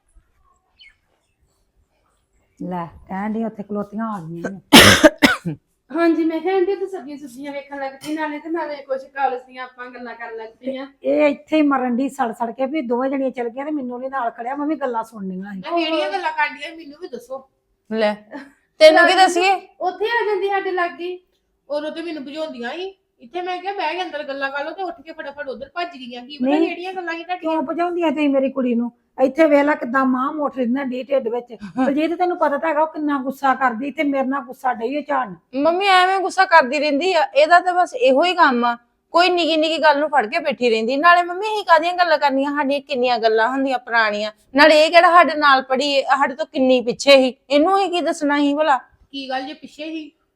S4: ਲੈ ਕਹਿਣ ਦੀ ਉੱਥੇ ਖਲੋਤੀਆਂ ਆ ਗਈਆਂ ਨੇ।
S1: ਹਾਂਜੀ, ਮੈਂ ਕਿਹਾ ਆਂਟੀ ਤੇ ਸਬਜ਼ੀਆਂ ਵੇਖਣ ਲੱਗ ਪਈ, ਨਾਲੇ ਤੇ ਨਾਲੇ ਕੁਝ ਕਾਲਜ ਦੀਆਂ ਆਪਾਂ ਗੱਲਾਂ ਕਰਨ ਲੱਗ ਪਈਆਂ।
S4: ਇਹ ਇੱਥੇ ਹੀ ਮਰਨ ਦੀ ਸੜ ਕੇ ਵੀ ਦੋਵੇਂ ਜਣੀਆਂ ਚਲ ਗਈਆਂ ਤੇ ਮੈਨੂੰ ਨਹੀਂ ਨਾਲ ਖੜਿਆ, ਮੈਂ ਵੀ ਗੱਲਾਂ ਸੁਣਨੀਆਂ ਸੀ।
S3: ਕਿਹੜੀਆਂ ਗੱਲਾਂ ਕਾਂਡੀਆਂ ਮੈਨੂੰ ਵੀ ਦੱਸੋ।
S2: ਲੈ ਤੈਨੂੰ ਕੀ ਦੱਸੀਏ?
S1: ਉੱਥੇ ਆ ਜਾਂਦੀ ਸਾਡੇ ਲਾਗੇ।
S3: ਉਦੋਂ ਤੇ ਮੈਨੂੰ ਭਜਾਉਂਦੀਆਂ ਸੀ, ਇੱਥੇ ਮੈਂ ਕਿਹਾ ਬਹਿ ਕੇ ਅੰਦਰ ਗੱਲਾਂ ਕਰ ਲਓ, ਤੇ ਉੱਠ ਕੇ ਫਟਾਫਟ ਉਧਰ ਭੱਜ ਗਈਆਂ। ਕੀ ਪਤਾ
S4: ਨਹੀਂ।
S3: ਕਿਹੜੀਆਂ ਗੱਲਾਂ ਸੀ ਤੁਹਾਡੀਆਂ।
S4: ਕਿਉਂ ਭਜਾਉਂਦੀਆਂ ਤੁਸੀਂ ਮੇਰੀ ਕੁੜੀ ਨੂੰ? ਇੱਥੇ ਵੇਖ ਲੈ ਕਿੱਦਾਂ ਮਾਂ ਮੋਟ ਰਹਿੰਦਾ ਢੀ ਢਿੱਡ ਵਿੱਚ। ਬਲਜੀਤ ਤੈਨੂੰ ਪਤਾ ਤਾਂ ਹੈਗਾ ਉਹ ਕਿੰਨਾ ਗੁੱਸਾ ਕਰਦੀ, ਤੇ ਮੇਰੇ ਨਾਲ ਗੁੱਸਾ ਡਈ ਝਾੜਨ।
S2: ਮੰਮੀ ਐਵੇਂ ਗੁੱਸਾ ਕਰਦੀ ਰਹਿੰਦੀ ਆ, ਇਹਦਾ ਤਾਂ ਬਸ ਇਹੋ ਹੀ ਕੰਮ ਆ। ਕੋਈ ਨਿੱਕੀ ਨਿੱਕੀ ਗੱਲ ਨੂੰ ਫੜ ਕੇ ਬੈਠੀ ਰਹਿੰਦੀ। ਨਾਲੇ ਮੰਮੀ ਅਸੀਂ ਕਾਹਦੀਆਂ ਗੱਲਾਂ ਕਰਨੀਆਂ, ਸਾਡੀਆਂ ਕਿੰਨੀਆਂ ਗੱਲਾਂ ਹੁੰਦੀਆਂ ਪੁਰਾਣੀਆਂ। ਨਾਲੇ ਇਹ ਕਿਹੜਾ ਸਾਡੇ ਨਾਲ ਪੜੀ, ਸਾਡੇ ਤੋਂ ਕਿੰਨੀ ਪਿੱਛੇ ਸੀ, ਇਹਨੂੰ ਹੀ ਕੀ ਦੱਸਣਾ ਸੀ ਭਲਾ।
S3: ਕੀ ਗੱਲ ਜੇ ਪਿੱਛੇ ਹੀ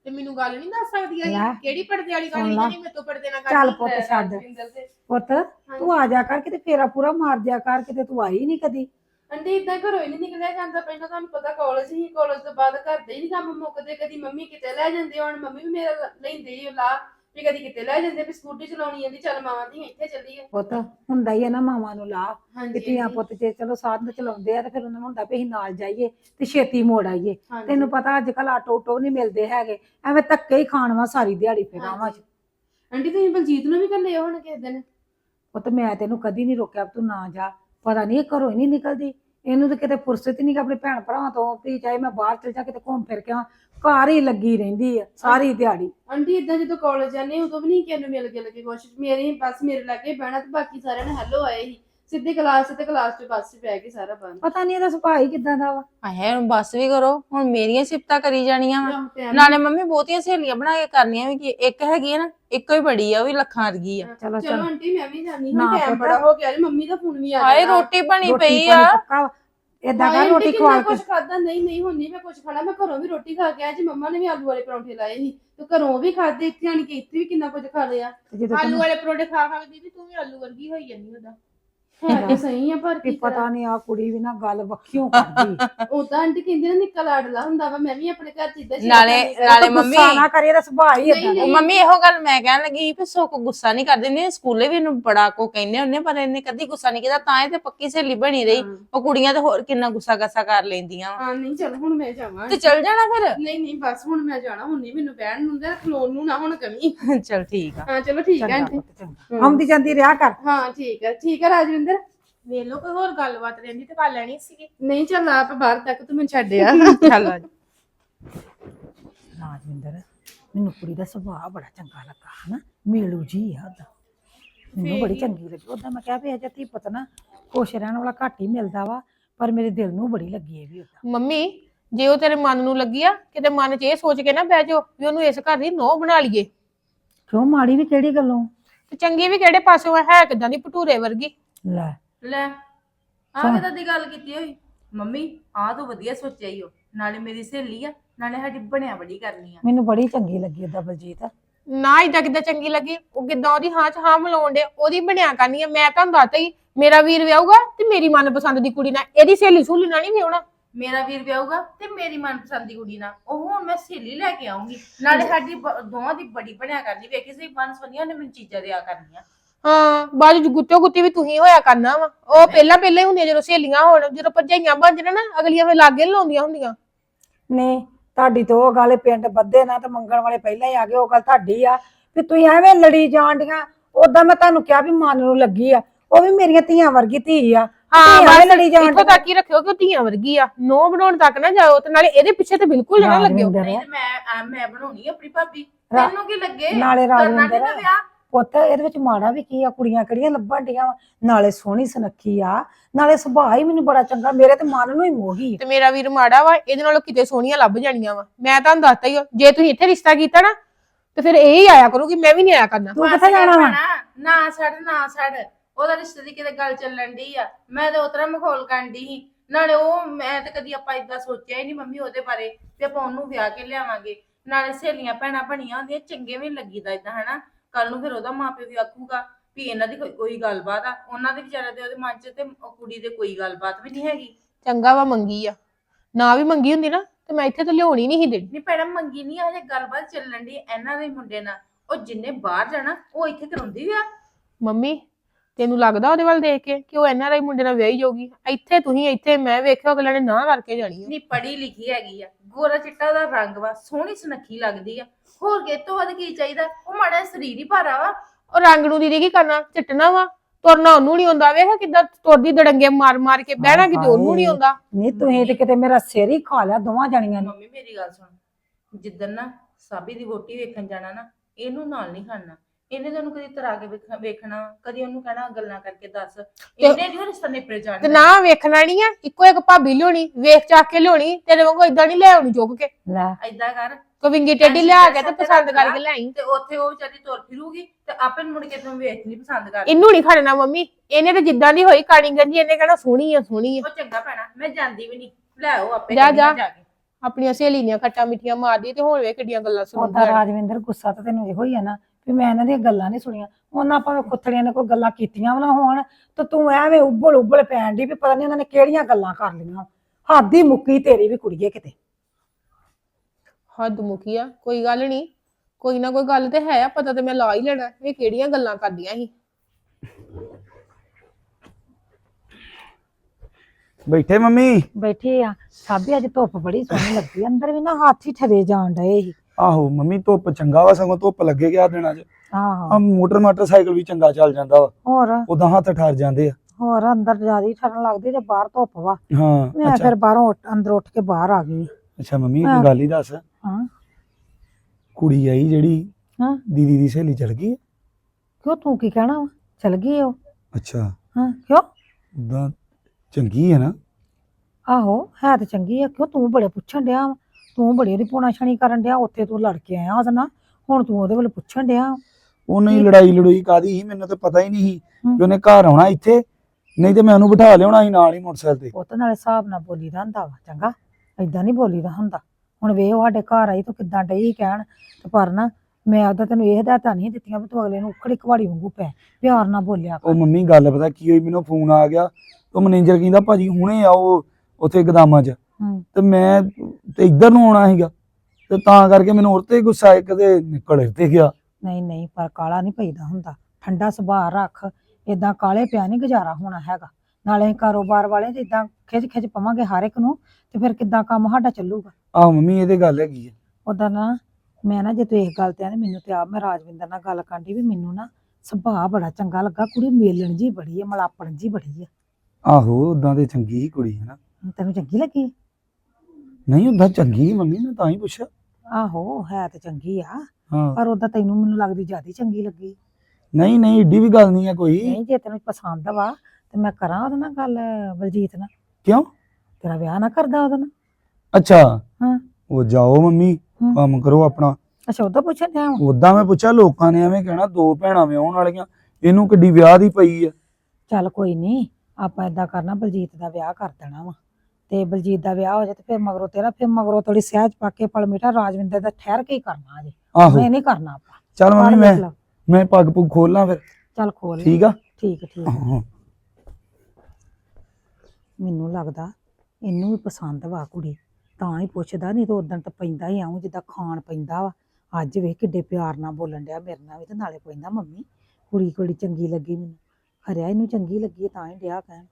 S3: ਤੇ ਮੈਨੂੰ ਗੱਲ ਨਹੀਂ ਦੱਸ ਸਕਦੀ
S4: ਲੈ।
S3: ਹੈ ਕਿਹੜੀ ਪਰਦੇ ਵਾਲੀ ਗੱਲ
S4: ਸੁਣ ਲਾ।
S3: ਇਹਨਾਂ ਨੇ ਮੇਰੇ ਤੋਂ ਪਰਦੇ ਨਾ ਕਰ
S4: ਚੱਲ ਪੁੱਤ ਛੱਡ ਪੁੱਤ ਤੂੰ ਆ ਜਾ ਕਰ ਕਿਤੇ ਫੇਰਾ ਪੂਰਾ ਮਾਰ ਜਾ ਕਰ ਕਿਤੇ ਤੂੰ ਆਈ ਨਹੀਂ ਕਦੀ।
S1: ਆਂਟੀ ਇਦਾਂ ਘਰੋਂ ਹੀ ਨਹੀਂ ਨਿਕਲਿਆ ਜਾਂਦਾ, ਪਹਿਲਾਂ ਤੁਹਾਨੂੰ ਪਤਾ ਕਾਲਜ ਹੀ, ਕਾਲਜ ਤੋਂ ਬਾਅਦ ਘਰ ਦੇ ਹੀ ਨੀ ਕੰਮ ਮੁੱਕਦੇ, ਕਦੀ ਮੰਮੀ ਕਿਤੇ ਲੈ ਜਾਂਦੇ, ਹੁਣ ਮੰਮੀ ਵੀ ਮੇਰਾ ਲੈਂਦੇ ਹੀ ਲਾ ਵੀ ਕਦੀ ਕਿਤੇ ਲੈ ਜਾਂਦੇ, ਵੀ ਸਕੂਟੀ ਚਲਾਉਣੀ ਆਂਦੀ ਚੱਲ ਮਾਵਾਂ ਦੀ ਇੱਥੇ ਚੱਲੀਏ।
S4: ਪੁੱਤ ਹੁੰਦਾ ਹੀ ਆ ਨਾ ਮਾਵਾਂ ਨੂੰ ਲਾ
S1: ਹਾਂਜੀ
S4: ਧੀਆਂ ਪੁੱਤ ਜੇ ਚਲੋ ਸਾਧਨ ਚਲਾਉਂਦੇ ਆ ਤੇ ਫਿਰ ਉਹਨਾਂ ਨੂੰ ਹੁੰਦਾ ਵੀ ਅਸੀਂ ਨਾਲ ਜਾਈਏ ਤੇ ਛੇਤੀ ਮੋੜ ਆਈਏ।
S1: ਹਾਂਜੀ।
S4: ਤੈਨੂੰ ਪਤਾ ਅੱਜ ਕੱਲ ਆਟੋ ਊਟੋ ਨਹੀਂ ਮਿਲਦੇ ਹੈਗੇ, ਐਵੇਂ ਧੱਕੇ ਹੀ ਖਾਣ ਵਾ ਸਾਰੀ ਦਿਹਾੜੀ ਫਿਰ ਆਵਾਂ ਚ।
S1: ਆਂਟੀ ਤੁਸੀਂ ਬਲਜੀਤ ਨੂੰ ਵੀ ਕੱਲੇ ਹੁਣ ਕਿਸੇ ਦਿਨ?
S4: ਪੁੱਤ ਮੈਂ ਤੈਨੂੰ ਕਦੀ ਨਹੀਂ ਰੋਕਿਆ ਵੀ ਤੂੰ ਨਾ ਜਾ, ਪਤਾ ਨਹੀਂ ਇਹ ਘਰੋਂ ਹੀ ਨਹੀਂ ਨਿਕਲਦੀ, ਇਹਨੂੰ ਤਾਂ ਕਿਤੇ ਫੁਰਸਤ ਹੀ ਨਹੀਂ ਆਪਣੇ ਭੈਣ ਭਰਾਵਾਂ ਤੋਂ ਵੀ ਚਾਹੇ ਮੈਂ ਬਾਹਰ ਚਲ ਜਾ ਕਿਤੇ ਘੁੰਮ ਫਿਰ ਕੇ ਆਵਾਂ, ਘਰ ਹੀ ਲੱਗੀ ਰਹਿੰਦੀ ਆ ਸਾਰੀ ਦਿਹਾੜੀ।
S1: ਆਂਟੀ ਇਦਾਂ ਜਦੋਂ ਕਾਲਜ ਜਾਂਦੇ ਉਦੋਂ ਵੀ ਨਹੀਂ ਕਿਸੇ ਨੂੰ ਮਿਲ ਕੇ ਲੱਗੇ ਕੁਛ, ਮੇਰੇ ਬਸ ਮੇਰੇ ਲਾਗੇ ਬਹਿਣਾ ਤੇ ਬਾਕੀ ਸਾਰਿਆਂ ਨੇ ਹੈਲੋ ਆਏ ਸੀ, ਸਿੱਧੇ ਕਲਾਸ ਤੇ ਕਲਾਸ ਚ ਬੱਸ ਚ ਬਹਿ ਕੇ ਸਾਰਾ ਬੰਦ।
S4: ਪਤਾ ਨਹੀਂ ਇਹਦਾ ਸੁਭਾਅ ਹੀ ਕਿਦਾਂ ਦਾ ਵਾ।
S2: ਆਹੇ ਹੁਣ ਬਸ ਵੀ ਕਰੋ, ਹੁਣ ਮੇਰੀਆਂ ਸਿਫਤਾਂ ਕਰੀ ਜਾਣੀਆਂ ਵਾ। ਨਾਲੇ ਮੰਮੀ ਬਹੁਤੀਆਂ ਸਹੇਲੀਆਂ ਬਣਾ ਕੇ ਕਰਨੀਆਂ ਵੀ ਕੀ, ਇੱਕ ਹੈਗੀ ਆ ਨਾ ਇੱਕੋ ਹੀ ਬੜੀ ਆ, ਉਹ ਵੀ ਲੱਖਾਂ ਵਰਗੀ ਆ।
S4: ਚਲੋ
S1: ਚਲੋ ਆਂਟੀ ਮੈਂ ਵੀ ਜਾਣੀ
S4: ਨਾ
S1: ਹੁਣ, ਟਾਈਮ
S4: ਪੁੱਤ।
S1: ਬੜਾ ਹੋ ਗਿਆ ਜੀ, ਮੰਮੀ ਦਾ ਫੋਨ ਵੀ ਆ
S2: ਹਾਏ
S1: ਜਾਣਾ।
S2: ਰੋਟੀ ਬਣੀ
S4: ਰੋਟੀ
S2: ਪਈ
S4: ਪਾਣੀ
S2: ਆ।
S4: ਪੱਕਾ ਏਦਾਂ
S1: ਹਾਏ
S4: ਕਰ
S1: ਆਂਟੀ
S4: ਰੋਟੀ
S1: ਕਿੰਨਾ
S4: ਖਵਾ ਕੇ।
S1: ਕੁਛ ਖਾਦਾ, ਨਹੀਂ ਹੁਣ ਨਹੀਂ ਮੈਂ ਕੁਛ ਖਾਣਾ, ਮੈਂ ਘਰੋਂ ਵੀ ਰੋਟੀ ਖਾ ਕੇ ਆਇਆ ਜੀ, ਮੰਮਾ ਨੇ ਵੀ ਆਲੂ ਵਾਲੇ ਪਰੌਂਠੇ ਲਾਏ ਸੀ ਤੇ ਘਰੋਂ ਵੀ ਖਾਦੇ, ਇੱਥੇ ਆਣ ਕੇ ਇੱਥੇ ਵੀ ਕਿੰਨਾ ਕੁਝ ਖਾ ਲਿਆ।
S4: ਜਦੋਂ
S3: ਆਲੂ
S4: ਤੈਨੂੰ
S3: ਵਾਲੇ ਪਰੌਂਠੇ ਖਾ ਖਾ ਕੇ ਦੀਦੀ ਤੂੰ ਵੀ ਆਲੂ ਵਰਗੀ ਹੋਈ ਜਾਂਦੀ ਉਹਦਾ।
S1: ਹੈ ਤੇ ਸਹੀ ਆ ਪਰ
S4: ਵੀ
S1: ਕੀ
S4: ਪਤਾ ਨਹੀਂ ਆ ਕੁੜੀ ਵੀ ਨਾ ਗੱਲ ਵੱਖੀਓ ਕਰਦੀ।
S1: ਉਦਾਂ ਆਂਟੀ ਕਹਿੰਦੀ ਨਾ ਨਿੱਕਾ ਲਾਡਲਾ ਹੁੰਦਾ ਵਾ, ਮੈਂ ਵੀ ਆਪਣੇ ਘਰ ਚ ਇਦਾਂ
S2: ਨਾਲੇ ਮੰਮੀ
S4: ਗੁੱਸਾ ਨਾ ਕਰੇ, ਇਹਦਾ ਸੁਭਾਅ ਹੀ ਏਦਾਂ ਦਾ।
S2: ਉਹ ਮੰਮੀ ਇਹੋ ਗੱਲ ਮੈਂ ਕਹਿਣ ਲੱਗੀ ਵੀ ਸੁੱਖ ਗੁੱਸਾ ਨਹੀਂ ਕਰਦੇ ਨੇ, ਸਕੂਲੇ ਵੀ ਇਹਨੂੰ ਬੜਾ ਕੋ ਕਹਿੰਦੇ ਹੁੰਦੇ ਪਰ ਇਹਨੇ ਕਦੀ ਗੁੱਸਾ ਨਹੀਂ ਕੀਤਾ, ਤਾਂ ਇਹ ਤੇ ਪੱਕੀ ਸਹੇਲੀ ਬਣੀ ਰਹੀ। ਉਹ ਕੁੜੀਆਂ ਤੇ ਹੋਰ ਕਿੰਨਾ ਗੁੱਸਾ ਗੱਸਾ ਕਰ ਲੈਂਦੀਆਂ ਵਾ।
S1: ਹਾਂ ਨਹੀਂ ਚੱਲ ਹੁਣ ਮੈਂ ਜਾਵਾਂ।
S2: ਤੇ ਚੱਲ ਜਾਣਾ ਫਿਰ।
S1: ਨਹੀਂ ਬਸ ਹੁਣ ਮੈਂ ਜਾਣਾ, ਹੁਣ ਨਹੀਂ ਮੈਨੂੰ ਬਹਿਣ ਨੂੰ ਤੇ ਖਲੋਣ ਨੂੰ ਨਾ ਹੁਣ ਕਮੀ।
S2: ਚੱਲ ਠੀਕ ਆ।
S1: ਹਾਂ ਚਲੋ ਠੀਕ ਆ
S4: ਚੰਗਾ
S1: ਆਂਟੀ।
S4: ਪੁੱਤ, ਚੰਗਾ। ਆਉਂਦੀ ਜਾਂਦੀ ਰਿਹਾ ਕਰ।
S1: ਹਾਂ ਠੀਕ ਆ ਰਾਜਵਿੰਦਰ।
S3: ਵੇਖ ਲਓ ਕੋਈ ਹੋਰ ਗੱਲਬਾਤ ਰਹਿੰਦੀ ਤੇ ਕਰ ਲੈਣੀ ਸੀਗੀ।
S1: ਨਹੀਂ ਚੱਲ ਆਪ ਬਾਹਰ ਤੱਕ ਤੂੰ ਮੈਨੂੰ ਛੱਡਿਆ।
S2: ਚੱਲ ਆ ਜਾ।
S4: ਰਾਜਵਿੰਦਰ ਮੈਨੂੰ ਕੁੜੀ ਦਾ ਸੁਭਾਅ ਬੜਾ ਚੰਗਾ ਲੱਗਾ ਹਨਾ, ਮੇਲੂ ਜੀ ਆ ਉਹਦਾ, ਮੈਨੂੰ ਬੜੀ ਚੰਗੀ ਲੱਗੀ। ਉਦਾਂ ਮੈਂ ਕਿਹਾ ਵੀ ਅਜੇ ਧੀ ਪੁੱਤ ਨਾ ਖੁਸ਼ ਰਹਿਣ ਵਾਲਾ ਘੱਟ ਹੀ ਮਿਲਦਾ ਵਾ, ਪਰ ਮੇਰੇ ਦਿਲ ਨੂੰ ਬੜੀ ਲੱਗੀ ਇਹ ਵੀ ਉਦਾਂ।
S3: ਮੰਮੀ ਜੇ ਉਹ ਤੇਰੇ ਮਨ ਨੂੰ ਲੱਗੀ ਆ, ਕਿਤੇ ਮਨ 'ਚ ਇਹ ਸੋਚ ਕੇ ਨਾ ਬਹਿ ਜਾਓ ਵੀ ਉਹਨੂੰ ਇਸ ਘਰ ਦੀ ਨੋਹ ਬਣਾ ਲਈਏ।
S4: ਕਿਉਂ ਮਾੜੀ ਵੀ ਕਿਹੜੀ ਗੱਲੋਂ?
S3: ਤੇ ਚੰਗੀ ਵੀ ਕਿਹੜੇ ਪਾਸੋਂ ਹੈ ਕਿਦਾਂ ਦੀ ਭਟੂਰੇ ਵਰਗੀ।
S2: ਲੈ ਆਹ ਕਿਦਾਂ ਦੀ ਗੱਲ ਕੀਤੀ ਹੋਈ ਮੰਮੀ, ਆਹ ਤੂੰ ਵਧੀਆ ਸੋਚਿਆ ਈ ਓ, ਨਾਲੇ ਮੇਰੀ ਸਹੇਲੀ ਆ, ਨਾਲੇ ਸਾਡੀ ਬਣਿਆ ਬੜੀ ਕਰਨੀ ਆ।
S4: ਮੈਨੂੰ ਬੜੀ ਚੰਗੀ ਲੱਗੀ ਏਦਾਂ ਬਲਜੀਤ।
S3: ਨਾ ਇਦਾਂ ਕਿਦਾਂ ਚੰਗੀ ਲੱਗੀ, ਉਹ ਕਿਦਾਂ ਉਹਦੀ ਹਾਂ 'ਚ ਹਾਂ ਮਿਲਾਉਣ ਦੇ, ਉਹਦੀ ਬਣਿਆ ਕਰਨੀ ਆ। ਮੈਂ ਤੁਹਾਨੂੰ ਦੱਸਤਾ ਹੀ ਮੇਰਾ ਵੀਰ ਵਿਆਹੂਗਾ ਤੇ ਮੇਰੀ ਮਨਪਸੰਦ ਦੀ ਕੁੜੀ ਨਾਲ, ਇਹਦੀ ਸਹੇਲੀ ਸਹੂਲੀ ਨਾਲ ਨਹੀਂ ਵਿਆਹਣਾ।
S2: ਮੇਰਾ ਵੀਰ ਵਿਆਹੂਗਾ ਤੇ ਮੇਰੀ ਮਨਪਸੰਦ ਦੀ ਕੁੜੀ ਨਾਲ, ਉਹ ਹੁਣ ਮੈਂ ਸਹੇਲੀ ਲੈ ਕੇ ਆਉਂਗੀ, ਨਾਲੇ ਸਾਡੀ ਦੋਵਾਂ ਦੀ ਬੜੀ ਬਣਿਆ ਕਰਨੀ। ਵੇਖੀ ਸਹੀ ਬਣ ਸੋਨੀਆ ਨੇ ਮੈਨੂੰ ਚੀਜ਼ਾਂ ਦਿਆ ਕਰਨੀਆਂ।
S3: ਹਾਂ ਬਾਅਦ ਵਿੱਚ ਗੁੱਤੋ ਗੁੱਤੀ ਵੀ ਤੁਸੀਂ ਹੋਇਆ ਕਰਨਾ ਵਾ। ਉਹ ਪਹਿਲਾਂ ਹੀ ਹੁੰਦੀਆਂ ਜਦੋਂ ਸਹੇਲੀਆਂ ਹੋਣ, ਜਦੋਂ ਭਰਜਾਈਆਂ ਬਣ ਜਾਣ ਨਾ ਅਗਲੀਆਂ ਫੇ ਲਾਗੇ ਲਾਉਂਦੀਆਂ ਹੁੰਦੀਆਂ।
S4: ਨਹੀਂ ਤੁਹਾਡੀ ਤੋਂ ਉਹ ਗੱਲ ਪਿੰਡ ਬੱਧੇ ਨਾ ਤੇ ਮੰਗਣ ਵਾਲੇ ਪਹਿਲਾਂ ਹੀ ਆ ਗਏ, ਉਹ ਗੱਲ ਤੁਹਾਡੀ ਆ ਵੀ ਤੁਸੀਂ ਐਵੇਂ ਲੜੀ ਜਾਣ ਡੀਆਂ। ਉਦਾਂ ਮੈਂ ਤੁਹਾਨੂੰ ਕਿਹਾ ਵੀ ਮਨ ਨੂੰ ਲੱਗੀ ਆ, ਉਹ ਵੀ ਮੇਰੀਆਂ ਧੀਆਂ ਵਰਗੀ ਧੀ ਆ।
S3: ਹਾਂ
S4: ਧੀਆਂ ਲੜੀ ਜਾਣ
S3: ਇੱਥੋਂ ਤੱਕ ਹੀ ਰੱਖਿਓ ਕਿ ਉਹ ਧੀਆਂ ਵਰਗੀ ਆ, ਨੋ ਬਣਾਉਣ ਤੱਕ ਨਾ ਜਾਓ, ਤੇ ਨਾਲੇ ਇਹਦੇ ਪਿੱਛੇ ਤੇ ਬਿਲਕੁਲ ਨਾ ਲੱਗਿਓ।
S2: ਨਹੀਂ ਤੇ ਮੈਂ ਬਣਾਉਣੀ ਆਪਣੀ ਭਾਬੀ, ਤੈਨੂੰ ਕੀ ਲੱਗੇ
S4: ਨਾਲੇ
S2: ਕਰਨਾ ਨੀ
S4: ਰਾਜਵਿੰਦਰ
S2: ਨਾ ਵਿਆਹ।
S4: ਪੁੱਤ ਇਹਦੇ ਵਿੱਚ ਮਾੜਾ ਵੀ ਕੀ ਆ, ਕੁੜੀਆਂ ਕਿਹੜੀਆਂ ਲੱਭਣ ਡੀਆਂ ਵਾ, ਨਾਲੇ ਸੋਹਣੀ ਸੁਨੱਖੀ ਆ, ਨਾਲੇ ਸੁਭਾਅ ਹੀ ਮੈਨੂੰ ਬੜਾ ਚੰਗਾ, ਮੇਰੇ ਤੇ ਮਨ ਨੂੰ ਹੀ ਮੋਹੀ ਆ।
S3: ਤੇ ਮੇਰਾ ਵੀਰ ਮਾੜਾ ਵਾ, ਇਹਦੇ ਨਾਲੋਂ ਕਿਤੇ ਸੋਹਣੀਆਂ ਲੱਭ ਜਾਣੀਆਂ ਵਾ। ਮੈਂ ਤੁਹਾਨੂੰ ਦੱਸਤਾ ਹੀ, ਜੇ ਤੁਸੀਂ ਇੱਥੇ ਰਿਸ਼ਤਾ ਕੀਤਾ ਨਾ ਤੇ ਫਿਰ ਇਹ ਹੀ ਆਇਆ ਕਰੂਗੀ, ਮੈਂ ਵੀ ਨਹੀਂ ਆਇਆ ਕਰਨਾ।
S4: ਤੂੰ ਕਿੱਥੇ ਜਾਣਾ ਵਾ?
S2: ਨਾ ਛੱਡ ਉਹਦਾ ਰਿਸ਼ਤੇ ਦੀ ਕਿਤੇ ਗੱਲ ਚੱਲਣ ਡਈ ਆ, ਮੈਂ ਤੇ ਉਤਰਾ ਮਖੌਲ ਕਰਨ ਡਈ ਸੀ। ਨਾਲੇ ਉਹ ਮੈਂ ਤੇ ਕਦੀ ਆਪਾਂ ਏਦਾਂ ਸੋਚਿਆ ਹੀ ਨਹੀਂ ਮੰਮੀ ਉਹਦੇ ਬਾਰੇ ਵੀ ਆਪਾਂ ਉਹਨੂੰ ਵਿਆਹ ਕੇ ਲਿਆਵਾਂਗੇ। ਨਾਲੇ ਸਹੇਲੀਆਂ ਭੈਣਾਂ ਬਣੀਆਂ ਹੁੰਦੀਆਂ, ਚੰਗੇ ਵੀ ਨੀ ਲੱਗੀਦਾ ਏਦਾਂ ਹਨਾ। ਕੱਲ ਨੂੰ ਫਿਰ ਉਹਦਾ ਮਾਪੇ ਵੀ ਆਖੂਗਾ ਵੀ ਇਹਨਾਂ ਦੀ ਕੋਈ ਗੱਲਬਾਤ ਆ, ਉਹਨਾਂ ਦੇ ਵਿਚਾਰਿਆਂ ਦੇ ਉਹਦੇ ਮਨ 'ਚ ਤੇ ਉਹ ਕੁੜੀ ਦੇ ਕੋਈ ਗੱਲਬਾਤ ਵੀ ਨਹੀਂ ਹੈਗੀ।
S3: ਚੰਗਾ ਵਾ ਮੰਗੀ ਆ, ਨਾ ਵੀ ਮੰਗੀ ਹੁੰਦੀ ਨਾ ਤੇ ਮੈਂ ਇੱਥੇ ਤਾਂ ਲਿਆਉਣੀ ਨਹੀਂ ਸੀ ਦੇਣੀ।
S2: ਨਹੀਂ ਭੈਣਾ ਮੰਗੀ ਨਹੀਂ, ਹਜੇ ਗੱਲਬਾਤ ਚੱਲਣ ਡਈ ਇਹਨਾਂ ਦੇ ਮੁੰਡੇ ਨਾਲ। ਉਹ ਜਿੰਨੇ ਬਾਹਰ ਜਾਣਾ ਉਹ ਇੱਥੇ ਕਰਾਉਂਦੀ ਆ।
S3: ਮੰਮੀ ਤੈਨੂੰ ਲੱਗਦਾ ਉਹਦੇ ਵੱਲ ਦੇਖ ਕੇ ਕਿ ਉਹ NRI ਮੁੰਡੇ ਨਾਲ ਵਿਆਹੀ ਜਾਊਗੀ? ਇੱਥੇ ਮੈਂ ਵੇਖਿਆ ਅਗਲੇ ਨੇ ਨਾ ਕਰਕੇ ਜਾਣੀ ਆ।
S2: ਨਹੀਂ ਪੜ੍ਹੀ ਲਿਖੀ ਹੈਗੀ ਆ, ਗੋਰਾ ਚਿੱਟਾ ਦਾ ਰੰਗ ਵਾ, ਸੋਹਣੀ ਸੁਨੱਖੀ ਲੱਗਦੀ ਆ, ਹੋਰ ਕਿ ਤੋਂ ਵੱਧ ਕੀ ਚਾਹੀਦਾ? ਉਹ ਮਾੜਾ ਸਰੀਰ ਹੀ ਭਾਰਾ ਵਾ।
S3: ਉਹ ਰੰਗ ਨੂੰ ਦੀਦੀ ਕੀ ਕਰਨਾ, ਚਿੱਟਣਾ ਵਾ, ਤੁਰਨਾ ਉਹਨੂੰ ਨਹੀਂ ਆਉਂਦਾ। ਵੇਖ ਕਿੱਦਾਂ ਤੁਰਦੀ ਦੜੰਗੇ ਮਾਰ ਕੇ, ਬਹਿਣਾ ਕਿਤੇ ਉਹਨੂੰ ਨਹੀਂ ਆਉਂਦਾ।
S4: ਨਹੀਂ ਤੁਸੀਂ ਤੇ ਕਿਤੇ ਮੇਰਾ ਸਿਰ ਹੀ ਖਾ ਲਿਆ ਦੋਵਾਂ ਜਣੀਆਂ ਨੇ।
S2: ਮੰਮੀ ਮੇਰੀ ਗੱਲ ਸੁਣ, ਜਿੱਦਣ ਨਾ ਸਾਬੀ ਦੀ ਵੋਟੀ ਵੇਖਣ ਜਾਣਾ ਨਾ, ਇਹਨੂੰ ਨਾਲ ਨਹੀਂ ਖੜਨਾ। ਇਹਨੇ ਤੁਹਾਨੂੰ ਕਦੀ ਤਰਾ ਕੇ ਵੇਖਣਾ, ਕਦੀ ਉਹਨੂੰ ਕਹਿਣਾ ਗੱਲਾਂ ਕਰਕੇ ਦੱਸ, ਇਹਨੇ ਨਹੀਂ ਰਿਸ਼ਤਾ ਨੇਪਰੇ
S3: ਤੇ
S2: ਜਾਣਾ।
S3: ਨਾ ਵੇਖਣਾ ਨਹੀਂ ਆ, ਇੱਕੋ ਇੱਕ ਭਾਬੀ ਲਿਆਉਣੀ, ਵੇਖ ਚੱਕ ਕੇ ਲਿਆਉਣੀ। ਤੇਰੇ ਵਾਂਗੂ ਏਦਾਂ ਨਹੀਂ ਲੈ ਆਉਣੀ ਚੁੱਕ ਕੇ,
S4: ਲੈ
S2: ਏਦਾਂ ਕਰ
S3: ਕੋਈ ਵਿੰਗੀ ਟੇਢੀ ਲਿਆ ਕੇ ਤੇ ਪਸੰਦ ਕਰਕੇ ਲਿਆਈ।
S2: ਤੇ ਉੱਥੇ ਉਹ ਵਿਚਾਰੀ ਤੁਰ ਫਿਰੂਗੀ ਤੇ ਆਪੇ ਮੁੜ ਕੇ ਤੈਨੂੰ ਵੇਖ ਨਹੀਂ ਪਸੰਦ ਕਰਦੀ।
S3: ਇਹਨੂੰ ਨਹੀਂ ਖੜਨਾ ਮੰਮੀ, ਇਹਨੇ ਤੇ ਜਿੱਦਾਂ ਦੀ ਹੋਈ ਕਾਣੀ ਗੰਜੀ, ਇਹਨੇ ਕਹਿਣਾ ਸੋਹਣੀ ਆ ਸੋਹਣੀ ਆ।
S2: ਉਹ ਚੰਗਾ ਪੈਣਾ, ਮੈਂ ਜਾਂਦੀ ਵੀ ਨਹੀਂ, ਲੈ ਆਓ ਆਪੇ
S3: ਜਾ
S2: ਕਰੀਏ ਜਾ ਕੇ।
S3: ਆਪਣੀਆਂ ਸਹੇਲੀ ਦੀਆਂ ਖੱਟਾਂ ਮਿੱਠੀਆਂ ਮਾਰਦੀ ਤੇ ਹੁਣ ਵੇ ਕਿੱਡੀਆਂ ਗੱਲਾਂ
S4: ਉਹਦਾ
S3: ਸੁਣਾਉਂਦੀ
S4: ਰਾਜਵਿੰਦਰ ਗੁੱਸਾ ਤਾਂ ਤੈਨੂੰ ਇਹੋ ਹੀ ਆ ਨਾ ਵੀ ਮੈਂ ਇਹਨਾਂ ਦੀਆਂ ਗੱਲਾਂ ਨਹੀਂ ਸੁਣੀਆਂ। ਉਹਨਾਂ ਭਾਵੇਂ ਖੁੱਥੜੀਆਂ ਨੇ ਕੋਈ ਗੱਲਾਂ ਕੀਤੀਆਂ ਵੀ ਨਾ ਹੋਣ ਤੇ ਤੂੰ ਐਵੇਂ ਉਬਲ ਪੈਣ ਦੀ ਵੀ ਪਤਾ ਨਹੀਂ ਉਹਨਾਂ ਨੇ ਕਿਹੜੀਆਂ ਗੱਲਾਂ ਕਰ ਲਈਆਂ। ਹੱਦ ਹੀ ਮੁੱਕੀ ਤੇਰੀ ਵੀ ਕੁੜੀਏ ਕਿਤੇ।
S3: ਹੱਦ ਮੁੱਕੀ ਆ, ਕੋਈ ਗੱਲ ਨਹੀਂ, ਕੋਈ ਨਾ ਕੋਈ ਗੱਲ ਤੇ ਹੈ ਆ, ਪਤਾ ਤੇ ਮੈਂ ਲਾ ਹੀ ਲੈਣਾ ਇਹ ਕਿਹੜੀਆਂ ਗੱਲਾਂ ਕਰਦੀਆਂ ਸੀ।
S5: ਬੈਠੇ ਮੰਮੀ?
S4: ਬੈਠੇ ਆ ਸਾਬੀ, ਅੱਜ ਧੁੱਪ ਬੜੀ ਸੋਹਣੀ ਲੱਗੀ, ਅੰਦਰ ਵੀ ਨਾ ਹੱਥ ਹੀ ਠਰੇ ਜਾਣ ਡਏ ਸੀ।
S5: ਆਹੋ ਮੰਮੀ ਧੁੱਪ ਚੰਗਾ ਵਾ, ਸਗੋਂ ਧੁੱਪ ਲੱਗੇ ਗਿਆ ਦਿਨਾਂ 'ਚ
S4: ਆਹੋ
S5: ਆ ਮੋਟਰਸਾਈਕਲ ਵੀ ਚੰਗਾ ਚੱਲ ਜਾਂਦਾ ਵਾ,
S4: ਹੋਰ
S5: ਉਦਾਂ ਹੱਥ ਠਰ ਜਾਂਦੇ ਆ।
S4: ਹੋਰ ਅੰਦਰ ਜਿਆਦਾ ਠਰਨ ਲੱਗਦੀ ਤੇ ਬਾਹਰ ਧੁੱਪ ਵਾ।
S5: ਹਾਂ
S4: ਮੈਂ
S5: ਅੱਛਾ
S4: ਫਿਰ ਬਾਹਰੋਂ ਅੰਦਰ ਉੱਠ ਕੇ ਬਾਹਰ ਆ ਗਈ।
S5: ਅੱਛਾ ਮੰਮੀ
S4: ਹਾਂ।
S5: ਇੱਕ ਗੱਲ ਹੀ ਦੱਸ,
S4: ਹਾਂ
S5: ਕੁੜੀ ਆਈ ਜਿਹੜੀ
S4: ਹਾਂ
S5: ਦੀਦੀ ਦੀ ਸਹੇਲੀ ਚਲ ਗਈ?
S4: ਕਿਉਂ ਤੂੰ ਕੀ ਕਹਿਣਾ ਵਾ? ਚਲ ਗਈ ਉਹ।
S5: ਅੱਛਾ
S4: ਹਾਂ ਕਿਉਂ?
S5: ਉਦਾਂ ਚੰਗੀ ਹੈ ਨਾ?
S4: ਆਹੋ ਹੈ ਤੇ ਚੰਗੀ ਆ। ਕਿਉਂ ਤੂੰ ਬੜੇ ਪੁੱਛਣ ਡਿਆ ਵਾ? ਤੂੰ ਬੜੀ ਉਹਦੀ ਪੋਣਾ ਛਣੀ ਕਰਨ ਡਿਆ, ਉੱਥੇ ਤੂੰ ਲੜ ਕੇ ਆਇਆ ਉਹਦੇ ਨਾਲ, ਹੁਣ ਤੂੰ ਉਹਦੇ ਵੱਲ ਪੁੱਛਣ ਡਿਆ।
S5: ਉਹ ਨਹੀਂ ਲੜਾਈ ਕਾਦੀ ਸੀ, ਮੈਨੂੰ ਤਾਂ ਪਤਾ ਹੀ ਨਹੀਂ ਸੀ
S4: ਹਮ।
S5: ਕਿ ਉਹਨੇ ਘਰ ਆਉਣਾ ਇੱਥੇ, ਨਹੀਂ ਤੇ ਮੈਂ ਉਹਨੂੰ ਬਿਠਾ ਲਿਆਉਣਾ ਸੀ ਨਾਲ ਹੀ ਮੋਟਰਸਾਈਕਲ ਤੇ।
S4: ਉਹ ਤਾਂ ਨਾਲੇ ਹਿਸਾਬ ਨਾਲ ਬੋਲੀਦਾ ਹੁੰਦਾ ਵਾ, ਚੰਗਾ ਏਦਾਂ ਨਹੀਂ ਬੋਲੀਦਾ ਹੁੰਦਾ। ਹੁਣ ਵੇਖ ਉਹ ਸਾਡੇ ਘਰ ਆਈ ਤੂੰ ਕਿੱਦਾਂ ਡਈ ਕਹਿਣ, ਤੇ ਪਰ ਨਾ ਮੈਂ ਉਹਦਾ ਤੈਨੂੰ ਇਹ ਹਦਾਇਤਾਂ ਨਹੀਂ ਦਿੱਤੀਆਂ ਵੀ ਤੂੰ ਅਗਲੇ ਨੂੰ ਉਖੜੀ ਘਵਾੜੀ ਵਾਂਗੂ ਪੈ ਪਿਆਰ ਨਾਲ ਬੋਲਿਆ
S5: ਉਹ
S4: ਕਰ।
S5: ਮੰਮੀ ਗੱਲ ਪਤਾ ਕੀ ਹੋਈ, ਮੈਨੂੰ ਫੋਨ ਆ ਗਿਆ, ਉਹ ਮੈਨੇਜਰ ਕਹਿੰਦਾ ਭਾਜੀ ਹੁਣੇ ਆਓ ਉੱਥੇ ਗਦਾਮਾਂ 'ਚ,
S4: ਹੂੰ
S5: ਤੇ ਮੈਂ ਤੇ ਇੱਧਰ ਨੂੰ ਆਉਣਾ ਸੀਗਾ, ਤੇ ਤਾਂ ਕਰਕੇ ਮੈਨੂੰ ਉਹਤੇ ਗੁੱਸਾ ਆਇਆ, ਕਦੇ ਨਿਕਲ ਤੇ ਗਿਆ।
S4: ਨਹੀਂ ਨਹੀਂ, ਪਰ ਕਾਲਾ ਨਹੀਂ ਪਈਦਾ ਹੁੰਦਾ, ਠੰਡਾ ਸੁਭਾਅ ਰੱਖ, ਏਦਾਂ ਕਾਲੇ ਪਿਆ ਨਹੀਂ ਗੁਜ਼ਾਰਾ ਹੋਣਾ ਹੈਗਾ। ਨਾਲੇ ਅਸੀਂ ਕਾਰੋਬਾਰ ਵਾਲੇ ਤੇ ਏਦਾਂ ਖਿੱਚ ਪਵਾਂਗੇ ਹਰ ਇੱਕ ਨੂੰ, ਤੇ ਫਿਰ ਕਿੱਦਾਂ ਕੰਮ ਸਾਡਾ ਚੱਲੂਗਾ।
S5: ਆਹ ਮੰਮੀ ਇਹ ਤੇ ਗੱਲ ਹੈਗੀ ਹੈ।
S4: ਉਦਾਂ ਨਾ ਮੈਂ ਨਾ ਜੇ ਤੂੰ ਇਸ ਗੱਲ ਤੇ ਆ ਨਾ, ਮੈਨੂੰ ਤੇ ਆਪ ਮੈਂ ਰਾਜਵਿੰਦਰ ਨਾਲ ਗੱਲ ਕਰਦੀ ਵੀ ਮੈਨੂੰ ਨਾ ਸੁਭਾਅ ਬੜਾ ਚੰਗਾ ਲੱਗਾ, ਕੁੜੀ ਮੇਲਣ ਜੀ ਬੜੀ ਹੈ, ਮਲਾਪਣ ਜੀ ਬੜੀ ਹੈ।
S5: ਆਹੋ ਉਦਾਂ ਤੇ ਚੰਗੀ ਹੀ ਕੁੜੀ ਹੈ ਨਾ?
S4: ਤੈਨੂੰ ਚੰਗੀ ਲੱਗੀ?
S5: ਨਹੀਂ ਉਦਾਂ ਚੰਗੀ ਸੀ ਮੰਮੀ, ਮੈਂ ਤਾਂ ਹੀ ਪੁੱਛਿਆ।
S4: ਆਹੋ ਹੈ ਤੇ ਚੰਗੀ ਆ,
S5: ਹਾਂ
S4: ਪਰ ਉਦਾਂ ਤੈਨੂੰ ਮੈਨੂੰ ਲੱਗਦੀ ਜ਼ਿਆਦਾ ਚੰਗੀ ਲੱਗੀ।
S5: ਨਹੀਂ ਨਹੀਂ ਏਡੀ ਵੀ ਗੱਲ ਨਹੀਂ ਹੈ ਕੋਈ।
S4: ਨਹੀਂ ਜੇ ਤੈਨੂੰ ਪਸੰਦ ਵਾ ਤੇ ਮੈਂ ਕਰਾਂ ਉਹਦੇ ਨਾਲ ਗੱਲ, ਬਲਜੀਤ ਨਾਲ।
S5: ਕਿਉਂ?
S4: ਤੇਰਾ ਵਿਆਹ ਨਾ ਕਰਦਾ ਉਹਦੇ ਨਾਲ?
S5: ਅੱਛਾ
S4: ਹਾਂ
S5: ਉਹ ਜਾਓ ਮੰਮੀ,
S4: ਹਮ।
S5: ਕੰਮ ਕਰੋ ਆਪਣਾ।
S4: ਅੱਛਾ ਉਹਦਾ ਪੁੱਛਣ ਡਿਆ ਵਾਂ?
S5: ਉਦਾਂ ਮੈਂ ਪੁੱਛਿਆ, ਲੋਕਾਂ ਨੇ ਐਵੇਂ ਕਹਿਣਾ ਦੋ ਭੈਣਾਂ ਵਿਆਹੁਣ ਵਾਲੀਆਂ, ਇਹਨੂੰ ਕਿੱਡੀ ਵਿਆਹ ਦੀ ਪਈ ਆ।
S4: ਚੱਲ ਕੋਈ ਨਹੀਂ, ਆਪਾਂ ਏਦਾਂ ਕਰਨਾ, ਬਲਜੀਤ ਦਾ ਵਿਆਹ ਕਰ ਦੇਣਾ ਵਾ, ਤੇ ਬਲਜੀਤ ਦਾ ਵਿਆਹ ਹੋ ਜਾਏ ਤੇ ਫਿਰ ਮਗਰੋਂ ਤੇਰਾ, ਫਿਰ ਮਗਰੋਂ ਥੋੜੀ ਸਹਿਜ ਪਾ ਕੇ ਪਲ ਮਿਠਾ ਰਾਜਵਿੰਦਰ ਦਾ ਠਹਿਰ ਕੇ ਹੀ ਕਰਨਾ ਅਜੇ।
S5: ਆਹੋ
S4: ਮੈਂ ਨਹੀਂ ਕਰਨਾ ਆਪਾਂ।
S5: ਚੱਲ ਮੰਮੀ
S4: ਪੜ੍ਹ ਲਿਖ ਲਾ।
S5: ਮੈਂ ਪੱਗ ਪੁੱਗ ਖੋਲਾਂ ਫਿਰ।
S4: ਚੱਲ ਖੋਲ ਲੈ।
S5: ਠੀਕ ਆ।
S4: ਠੀਕ ਠੀਕ।
S5: ਹਾਂ
S4: ਮੈਨੂੰ ਲੱਗਦਾ ਇਹਨੂੰ ਵੀ ਪਸੰਦ ਵਾ ਕੁੜੀ, ਤਾਂ ਹੀ ਪੁੱਛਦਾ, ਨਹੀਂ ਤਾਂ ਉਦੋਂ ਤਾਂ ਪੈਂਦਾ ਹੀ ਆਉਂ ਜਿੱਦਾਂ ਖਾਣ ਪੈਂਦਾ ਵਾ। ਅੱਜ ਵੇਖ ਕਿੱਡੇ ਪਿਆਰ ਨਾਲ ਬੋਲਣ ਡਿਆ ਮੇਰੇ ਨਾਲ ਵੀ, ਤੇ ਨਾਲੇ ਪੈਂਦਾ ਮੰਮੀ ਕੁੜੀ ਚੰਗੀ ਲੱਗੀ ਮੈਨੂੰ। ਖਰਿਆ ਇਹਨੂੰ ਚੰਗੀ ਲੱਗੀ ਹੈ ਤਾਂ ਹੀ ਡਿਆ ਕਹਿਣ।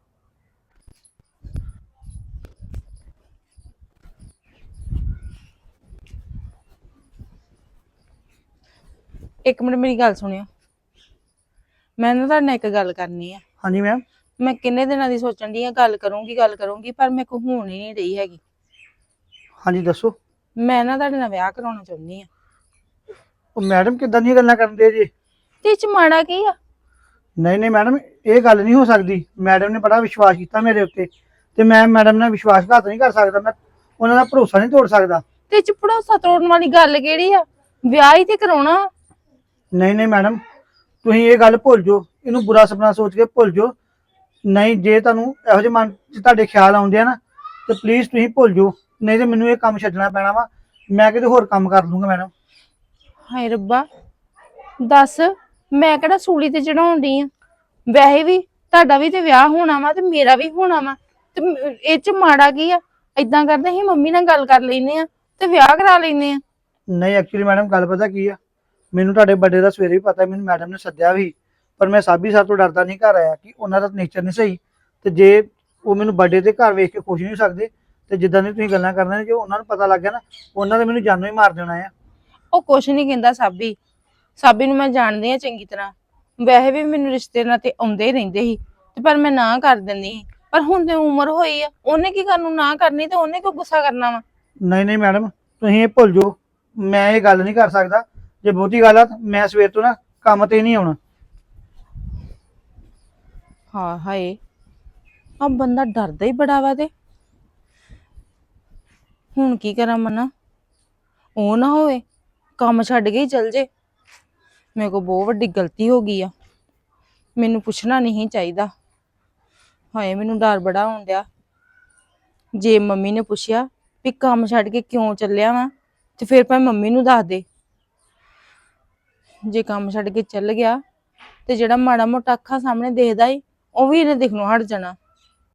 S2: ਇੱਕ ਮਿੰਟ ਮੇਰੀ ਗੱਲ ਸੁਣਿਓ, ਮੈਂ ਨਾ ਤੁਹਾਡੇ ਨਾਲ ਇੱਕ ਗੱਲ ਕਰਨੀ ਆ।
S6: ਹਾਂਜੀ ਮੈਮ।
S2: ਮੈਂ ਕਿੰਨੇ ਦਿਨਾਂ ਦੀ ਸੋਚਣ ਦੀ ਆ, ਗੱਲ ਕਰੂੰਗੀ ਪਰ ਮੇਰੇ ਕੋਲ ਹੋਣ ਹੀ ਨਹੀਂ ਰਹੀ ਹੈਗੀ।
S6: ਹਾਂਜੀ ਦੱਸੋ।
S2: ਮੈਂ ਨਾ ਤੁਹਾਡੇ ਨਾਲ ਵਿਆਹ ਕਰਾਉਣਾ ਚਾਹੁੰਦੀ ਆ।
S6: ਉਹ ਮੈਡਮ ਕਿੱਦਾਂ ਦੀਆਂ ਗੱਲਾਂ ਕਰਦੇ ਜੀ?
S2: ਤੇ ਇਹ ਚ ਮਾੜਾ ਕੀ ਆ?
S6: ਨਹੀਂ ਨਹੀਂ ਮੈਡਮ, ਇਹ ਗੱਲ ਨਹੀਂ ਹੋ ਸਕਦੀ। ਮੈਡਮ ਨੇ ਬੜਾ ਵਿਸ਼ਵਾਸ ਕੀਤਾ ਮੇਰੇ ਉੱਤੇ, ਤੇ ਮੈਂ ਮੈਡਮ ਨਾਲ ਵਿਸ਼ਵਾਸਘਾਤ ਨਹੀਂ ਕਰ ਸਕਦਾ, ਮੈਂ ਉਹਨਾਂ ਦਾ ਭਰੋਸਾ ਨਹੀਂ ਤੋੜ ਸਕਦਾ।
S2: ਤੇ ਇਹ ਚ ਭਰੋਸਾ ਤੋੜਨ ਵਾਲੀ ਗੱਲ ਕਿਹੜੀ ਆ? ਵਿਆਹ ਹੀ ਤੇ ਕਰਾਉਣਾ।
S6: ਨਹੀਂ ਨਹੀਂ ਮੈਡਮ, ਤੁਸੀਂ ਇਹ ਗੱਲ ਭੁੱਲ ਜਾਓ, ਇਹਨੂੰ ਬੁਰਾ ਸੁਪਨਾ ਸੋਚ ਕੇ ਭੁੱਲ ਜਾਓ। ਨਹੀਂ ਜੇ ਤੁਹਾਨੂੰ ਇਹੋ ਜਿਹੇ ਮਨ 'ਚ ਤੁਹਾਡੇ ਖਿਆਲ ਆਉਂਦੇ ਆ ਨਾ, ਤੇ ਪਲੀਜ਼ ਤੁਸੀਂ ਭੁੱਲ ਜਾਓ, ਨਹੀਂ ਤੇ ਮੈਨੂੰ ਇਹ ਕੰਮ ਛੱਡਣਾ ਪੈਣਾ ਵਾ, ਮੈਂ ਕਿਤੇ ਹੋਰ ਕੰਮ ਕਰ ਲੂੰਗਾ ਮੈਡਮ।
S2: ਹਾਏ ਰੱਬਾ, ਦੱਸ ਮੈਂ ਕਿਹੜਾ ਸੂਲੀ ਤੇ ਚੜਾਉਣ ਡਈ ਆ? ਵੈਸੇ ਵੀ ਤੁਹਾਡਾ ਵੀ ਤੇ ਵਿਆਹ ਹੋਣਾ ਵਾ ਤੇ ਮੇਰਾ ਵੀ ਹੋਣਾ ਵਾ, ਤੇ ਇਹ ਚ ਮਾੜਾ ਕੀ ਆ? ਏਦਾਂ ਕਰਦੇ ਅਸੀਂ ਮੰਮੀ ਨਾਲ ਗੱਲ ਕਰ ਲੈਨੇ ਆ ਤੇ ਵਿਆਹ ਕਰਾ ਲੈਨੇ ਆ।
S6: ਨਹੀਂ ਐਕਚੁਅਲੀ ਮੈਡਮ ਗੱਲ ਪਤਾ ਕੀ ਆ, ਮੈਨੂੰ ਤੁਹਾਡੇ ਬਰਥਡੇ ਦਾ ਸਵੇਰੇ ਵੀ ਪਤਾ, ਮੈਨੂੰ ਮੈਡਮ ਨੇ ਸੱਦਿਆ ਵੀ, ਪਰ ਮੈਂ ਸਾਬੀ ਸਾਹਿਬ ਤੋਂ ਡਰਦਾ ਨਹੀਂ ਘਰ ਆਇਆ ਕਿ ਉਹਨਾਂ ਦਾ ਨੇਚਰ ਨਹੀਂ ਸਹੀ, ਤੇ ਜੇ ਉਹ ਮੈਨੂੰ ਬਰਥਡੇ ਤੇ ਘਰ ਵੇਖ ਕੇ ਖੁਸ਼ ਨਹੀਂ ਸਕਦੇ, ਤੇ ਜਿੱਦਾਂ ਦੀ ਤੁਸੀਂ ਗੱਲਾਂ ਕਰਦੇ ਨੇ, ਜੇ ਉਹਨਾਂ ਨੂੰ ਪਤਾ ਲੱਗ ਗਿਆ ਨਾ, ਉਹਨਾਂ ਨੇ ਮੈਨੂੰ ਜਾਨੋਂ ਹੀ ਮਾਰ ਦੇਣਾ ਆ।
S2: ਉਹ ਕੁਛ ਨਹੀਂ ਕਹਿੰਦਾ ਸਾਬੀ ਨੂੰ ਮੈਂ ਜਾਣਦੀ ਆ ਚੰਗੀ ਤਰ੍ਹਾਂ, ਵੈਸੇ ਵੀ ਮੈਨੂੰ ਰਿਸ਼ਤੇ ਨਾਲ ਤੇ ਆਉਂਦੇ ਹੀ ਰਹਿੰਦੇ ਸੀ, ਤੇ ਪਰ ਮੈਂ ਨਾ ਕਰ ਦਿੰਦੀ ਸੀ। ਪਰ ਹੁਣ ਤੇ ਉਮਰ ਹੋਈ ਆ, ਉਹਨੇ ਕੀ ਕਰਨ ਨੂੰ ਨਾ ਕਰਨੀ, ਤੇ ਉਹਨੇ ਕਿਉਂ ਗੁੱਸਾ ਕਰਨਾ ਵਾ?
S6: ਨਹੀਂ ਨਹੀਂ ਮੈਡਮ, ਤੁਸੀਂ ਇਹ ਭੁੱਲ ਜਾਓ, ਮੈਂ ਇਹ ਗੱਲ ਨਹੀਂ ਕਰ ਸਕਦਾ। ਜੇ ਬਹੁਤੀ ਗੱਲ ਆ ਤਾਂ ਮੈਂ ਸਵੇਰ ਤੋਂ ਨਾ ਕੰਮ ਤੇ ਨਹੀਂ ਆਉਣਾ।
S2: ਹਾਂ ਹਾਏ, ਆ ਬੰਦਾ ਡਰਦਾ ਹੀ ਬੜਾ ਵਾ। ਤੇ ਹੁਣ ਕੀ ਕਰਾਂ ਮਨਾ? ਉਹ ਨਾ ਹੋਵੇ ਕੰਮ ਛੱਡ ਕੇ ਹੀ ਚਲ ਜੇ। ਮੇਰੇ ਕੋਲ ਬਹੁਤ ਵੱਡੀ ਗਲਤੀ ਹੋ ਗਈ ਆ, ਮੈਨੂੰ ਪੁੱਛਣਾ ਨਹੀਂ ਚਾਹੀਦਾ। ਹਾਏ ਮੈਨੂੰ ਡਰ ਬੜਾ ਹੋਣ ਡਿਆ, ਜੇ ਮੰਮੀ ਨੇ ਪੁੱਛਿਆ ਵੀ ਕੰਮ ਛੱਡ ਕੇ ਕਿਉਂ ਚੱਲਿਆ ਵਾ, ਤੇ ਫਿਰ ਭਾਵੇਂ ਮੰਮੀ ਨੂੰ ਦੱਸ ਦੇ। ਜੇ ਕੰਮ ਛੱਡ ਕੇ ਚੱਲ ਗਿਆ ਤੇ ਜਿਹੜਾ ਮਾੜਾ ਮੋਟਾ ਅੱਖਾਂ ਸਾਹਮਣੇ ਦੇਖਦਾ ਈ ਉਹ ਵੀ ਇਹਨੇ ਦਿਖਣੋਂ ਹਟ ਜਾਣਾ।